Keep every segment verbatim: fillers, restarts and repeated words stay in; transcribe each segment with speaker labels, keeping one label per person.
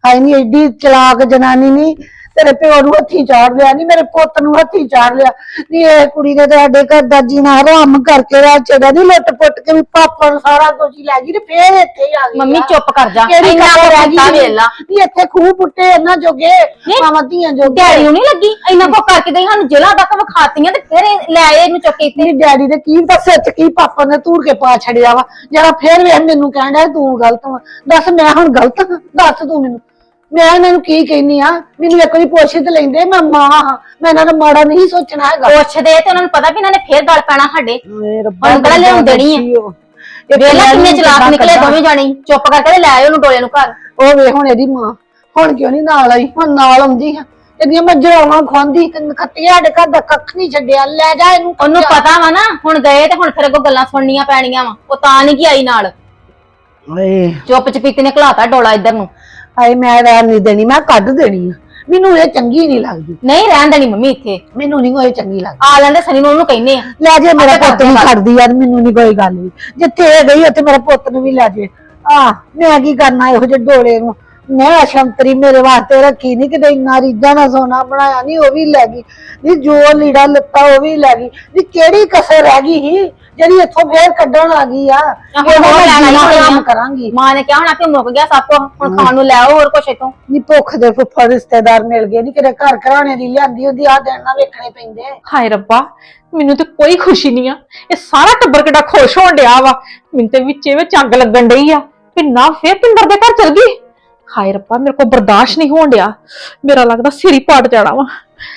Speaker 1: ਹਾਏ ਨੀ एडी चलाक जनानी नी तेरे प्यो नूं हत्थी चाड़ लिया नी मेरे पुत नूं हत्थी चाड़ लिया नी ये कुड़ी ने साडे घर दा जीना हराम करके राह छड़ा नी लुट पुट के भी पापा सारा कुछ ही लै गई ते फिर इत्थे ही आ गई
Speaker 2: मम्मी चुप कर जा
Speaker 1: इन्ना रह गई
Speaker 2: वेख ला
Speaker 1: नी इत्थे खूह पुट्टे इन्ना जोगे मावां धीआं जोगे
Speaker 2: डैडी नूं नहीं लगी इन्ना को करके गई हानू जेला तक विखातियां ते फिर लै आए इन्नू चुक के इत्थे
Speaker 1: नी डैडी दे की पता सच की पापा ने धूड़ के पा छड़िया वा जरा फिर वे मैनू कहण डया तू गलत वा दस मैं हुण गलत हां दस तू मैनू मैं इन्हां नूं की कहनी आ मैनू एक वारी पुछ ते लैंदे मैं मां हां मैं इन्हां दा माड़ा नहीं सोचना हैगा
Speaker 2: पुछ दे ते उन्हां नूं पता भी इन्हां ने फिर गल पैना साडे
Speaker 1: ए रब्बा
Speaker 2: हुण कड़ा लिआउण देनी है वेला किन्ने चलाक निकले दोवें जाने चुप करके ते लै आए ओनू डोले नूं घर
Speaker 1: ओ वे हुण एदी मां हुण क्यों नहीं नाल आई हुण नाल आउंदी है ਇਹਦੀਆਂ ਮੈਂ ਜਰਾਵਾਂ ਖਵਾਂਦੀ ਖੱਤੀਆਂ ਸਾਡੇ ਘਰ ਦਾ ਕੱਖ ਨਹੀਂ ਛੱਡਿਆ ਲੈ ਜਾ ਇਹਨੂੰ
Speaker 2: ਉਹਨੂੰ ਪਤਾ ਵਾ ਨਾ ਹੁਣ ਗਏ ਤੇ ਹੁਣ ਫਿਰ ਅੱਗੋਂ ਗੱਲਾਂ ਸੁਣਨੀਆਂ ਪੈਣੀਆਂ ਵਾ ਉਹ ਤਾਂ ਨਹੀਂ ਕਿ ਆਈ ਨਾਲ
Speaker 1: ਓਏ
Speaker 2: ਚੁੱਪ ਚਪੀਤੇ ਨੇ ਘਲਾਤਾ ਡੋਲਾ ਇੱਧਰ ਨੂੰ
Speaker 1: ਹਾਏ ਮੈਂ ਰਹਿਣ ਨਹੀਂ ਦੇਣੀ ਮੈਂ ਕੱਢ ਦੇਣੀ ਆ ਮੈਨੂੰ ਇਹ ਚੰਗੀ ਨਹੀਂ ਲੱਗਦੀ
Speaker 2: ਨਹੀਂ ਰਹਿਣ ਦੇਣੀ ਮੰਮੀ ਇੱਥੇ
Speaker 1: ਮੈਨੂੰ ਨਹੀਂ ਕੋਈ ਚੰਗੀ ਲੱਗਦੀ
Speaker 2: ਆ ਲੈਂਦੇ ਸਨੀ ਨੂੰ ਉਹਨੂੰ ਕਹਿੰਨੇ ਆ
Speaker 1: ਲੈ ਜੇ ਮੇਰਾ ਪੁੱਤ ਨੂੰ ਛੱਡਦੀ ਯਾਰ ਮੈਨੂੰ ਨਹੀਂ ਕੋਈ ਗੱਲ ਵੀ ਜਿੱਥੇ ਇਹ ਗਈ ਉੱਥੇ ਮੇਰਾ ਪੁੱਤ ਨੂੰ ਵੀ ਲੈ ਜੇ ਆ ਮੈਂ ਕੀ ਕਰਨਾ ਇਹੋ ਜਿਹੇ ਡੋਲੇ ਨੂੰ मैं शंतरी मेरे वास्ते रखी नहीं कि इन्ना रीजा ना सोना बनाया नहीं वो भी लै गई नी जो लीड़ा लत्ता वो भी लै गई नी केड़ी कसर रह गई ही जेड़ी इत्थों फिर कड्ढण आ गई आ करांगी
Speaker 2: मां ने क्या होना कि मुक गया सब कुछ हुण खाण नूं लै आओ होर कुछ इत्थों
Speaker 1: नी भुख दे फुफ्फड़ रिश्तेदार मिल गए नी किते घर घराणे दी लिआंदी हुंदी आ दिन ना वेखणे पैंदे
Speaker 3: हाय रब्बा ਮੈਨੂੰ ਤੇ ਕੋਈ ਖੁਸ਼ੀ ਨਹੀਂ ਆ ਇਹ ਸਾਰਾ ਟੱਬਰ ਕਿੱਡਾ ਖੁਸ਼ ਹੋਣ ਡਿਆ ਵਾ ਮੈਨੂੰ ਤੇ ਵਿੱਚੇ ਵਿੱਚ ਅੱਗ ਲੱਗਣ ਡਈ ਆ ਕਿ ਨਾ ਫੇਰ ਪਿੰਦਰ ਦੇ ਘਰ ਚਲ ਗਈ ਹਾਏ ਰੱਬਾ ਮੇਰੇ ਕੋਲ ਬਰਦਾਸ਼ਤ ਨਹੀਂ ਹੋਣ ਡਿਆ ਮੇਰਾ ਲੱਗਦਾ ਸਿਰ ਹੀ ਪਾਟ ਜਾਣਾ ਵਾ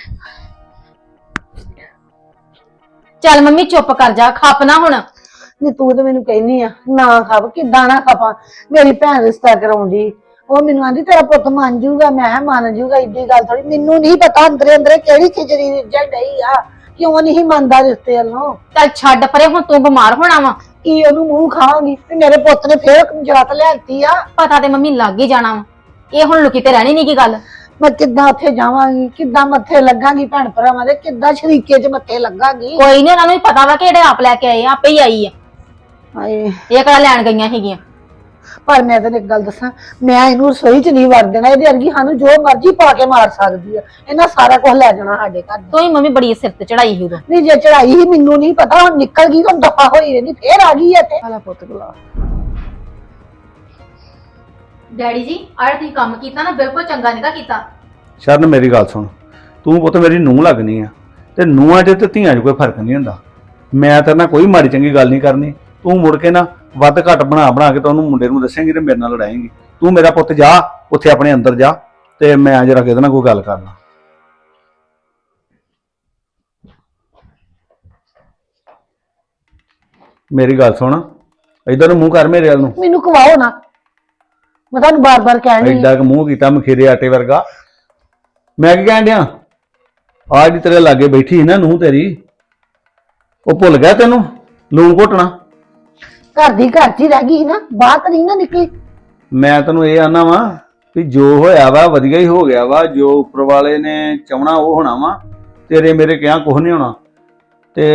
Speaker 2: ਚੱਲ ਮੰਮੀ ਚੁੱਪ ਕਰ ਜਾ ਖੱਪ ਨਾ ਹੁਣ
Speaker 1: ਨੀ ਤੂੰ ਤੇ ਮੈਨੂੰ ਕਹਿਨੀ ਆ ਨਾ ਖਪ ਕਿਦਾਂ ਨਾ ਖਪਾਂ ਮੇਰੀ ਭੈਣ ਰਿਸ਼ਤਾ ਕਰਾਉਂਦੀ ਉਹ ਮੈਨੂੰ ਆਂਦੀ ਤੇਰਾ ਪੁੱਤ ਮੰਨ ਜੂਗਾ ਮੈਂ ਮੰਨ ਜੂਗਾ ਇੱਡੀ ਗੱਲ ਥੋੜੀ ਮੈਨੂੰ ਨਹੀਂ ਪਤਾ ਅੰਦਰੇ ਅੰਦਰੇ ਕਿਹੜੀ ਖਿਚੜੀ ਰਿੱਝਣ ਡਈ ਆ ਕਿਉਂ ਨਹੀਂ ਮੰਨਦਾ ਰਿਸ਼ਤੇ ਵੱਲੋਂ
Speaker 2: ਚੱਲ ਛੱਡ ਪਰੇ ਹੁਣ ਤੂੰ ਬਿਮਾਰ ਹੋਣਾ ਵਾ
Speaker 1: ਕੀ ਉਹਨੂੰ ਮੂੰਹ ਖਾਵਾਂਗੀ ਤੇ ਮੇਰੇ ਪੁੱਤ ਨੇ ਫੇਰ ਜਰਾਤ ਲਿਆਂਤੀ ਆ
Speaker 2: ਪਤਾ ਤੇ ਮੰਮੀ ਲੱਗ ਹੀ ਜਾਣਾ ਵਾ ਇਹ ਹੁਣ ਲੁਕੀ ਤੇ ਰਹਿਣੀ ਨਹੀਂ ਕੀ ਗੱਲ
Speaker 1: ਮੈਂ ਕਿੱਦਾਂ ਉੱਥੇ ਜਾਵਾਂਗੀ ਕਿੱਦਾਂ ਮੱਥੇ ਲੱਗਾਂਗੀ ਭੈਣ ਭਰਾਵਾਂ ਦੇ ਕਿੱਦਾਂ ਸ਼ਰੀਕੇ 'ਚ ਮੱਥੇ ਲੱਗਾਂਗੀ
Speaker 2: ਕੋਈ ਨਹੀਂ ਉਹਨਾਂ ਨੂੰ ਵੀ ਪਤਾ ਵਾ ਕਿ ਜਿਹੜੇ ਆਪ ਲੈ ਕੇ ਆਏ ਆਪੇ ਹੀ ਆਈ ਆ
Speaker 1: ਹਾਏ
Speaker 2: ਇਹ ਕਿਹੜਾ ਲੈਣ ਗਈਆਂ ਸੀਗੀਆਂ
Speaker 1: ਪਰ ਮੈਂ ਤੈਨੂੰ ਇੱਕ ਗੱਲ ਦੱਸਾਂ ਮੈਂ ਇਹਨੂੰ ਰਸੋਈ 'ਚ ਨਹੀਂ ਵੜ ਦੇਣਾ ਇਹਦੇ ਅਰਗੀ ਸਾਨੂੰ ਜੋ ਮਰਜ਼ੀ ਪਾ ਕੇ ਮਾਰ ਸਕਦੀ ਆ ਇਹਨਾਂ ਸਾਰਾ ਕੁਝ ਲੈ ਜਾਣਾ ਸਾਡੇ ਘਰ
Speaker 2: ਤੂੰ ਹੀ ਮੰਮੀ ਬੜੀ ਸਿਰ ਤੇ ਚੜਾਈ ਸੀ ਉਦੋਂ
Speaker 1: ਨਹੀਂ ਜੇ ਚੜਾਈ ਹੀ ਮੈਨੂੰ ਨਹੀਂ ਪਤਾ ਹੁਣ ਨਿਕਲ ਗਈ ਤਾਂ ਦਫਾ ਹੋਈ ਰਹਿੰਦੀ ਫੇਰ ਆ ਗਈ ਇੱਥੇ ਆਲਾ ਪੁੱਤ ਗਲਾ
Speaker 2: ਡੈਡੀ ਜੀ ਆਹ ਤੁਸੀਂ ਕੰਮ ਕੀਤਾ ਨਾ ਬਿਲਕੁਲ ਚੰਗਾ ਨਹੀਂ ਕੀਤਾ
Speaker 4: ਸ਼ਰਨ ਮੇਰੀ ਗੱਲ ਸੁਣ ਤੂੰ ਪੁੱਤ ਮੇਰੀ ਨੂੰਹ ਲੱਗਣੀ ਆ ਤੇ ਨੂੰਹਾਂ 'ਚ ਤੇ ਧੀਆਂ 'ਚ ਕੋਈ ਫਰਕ ਨਹੀਂ ਹੁੰਦਾ ਮੈਂ ਤੇਰੇ ਨਾਲ ਕੋਈ ਮਾੜੀ ਚੰਗੀ ਗੱਲ ਨਹੀਂ ਕਰਨੀ ਤੂੰ ਮੁੜ ਕੇ ਨਾ ਵੱਧ ਘੱਟ ਬਣਾ ਬਣਾ ਕੇ ਤਾਂ ਉਹਨੂੰ ਮੁੰਡੇ ਨੂੰ ਦੱਸੇਂਗੀ ਤੇ ਮੇਰੇ ਨਾਲ ਲੜਾਏਂਗੀ ਤੂੰ ਮੇਰਾ ਪੁੱਤ ਜਾ ਉੱਥੇ ਆਪਣੇ ਅੰਦਰ ਜਾ ਤੇ ਮੈਂ ਜਰਾ ਕਿਹਦੇ ਨਾਲ ਕੋਈ ਗੱਲ ਕਰ ਲਾਂ ਮੇਰੀ ਗੱਲ ਸੁਣ ਇਧਰ ਨੂੰ ਮੂੰਹ ਕਰ ਮੇਰੇ ਵੱਲ ਨੂੰ
Speaker 1: ਮੈਨੂੰ ਕਵਾਓ ਨਾ ਮੈਂ ਤੁਹਾਨੂੰ ਬਾਰ-ਬਾਰ ਕਹਿਣੀ
Speaker 4: ਐਡਾ ਕਿ ਮੂੰਹ ਕੀਤਾ ਮਖੀਰੇ ਆਟੇ ਵਰਗਾ ਮੈਂ ਕੀ ਕਹਿਣ ਡਿਆ ਆਹ ਜਿਹੜੀ ਤੇਰੇ ਲਾਗੇ ਬੈਠੀ ਸੀ ਨਾ ਨੂੰਹ ਤੇਰੀ ਉਹ ਭੁੱਲ ਗਿਆ ਤੈਨੂੰ ਲੂਣ ਘੋਟਣਾ
Speaker 1: ਘਰ ਦੀ ਘਰ 'ਚ ਹੀ ਰਹਿ ਗਈ ਨਾ ਬਾਹਰ ਤਾਂ ਨਹੀਂ ਨਾ ਨਿਕਲੀ
Speaker 4: ਮੈਂ ਤੈਨੂੰ ਇਹ ਆਨਾ ਵਾ ਵੀ ਜੋ ਹੋਇਆ ਵਾ ਵਧੀਆ ਹੀ ਹੋ ਗਿਆ ਵਾ ਜੋ ਉੱਪਰ ਵਾਲੇ ਨੇ ਚਾਹਣਾ ਉਹ ਹੋਣਾ ਵਾ ਤੇਰੇ ਮੇਰੇ ਕਿਹਾ ਕੁਝ ਨਹੀਂ ਹੋਣਾ ਤੇ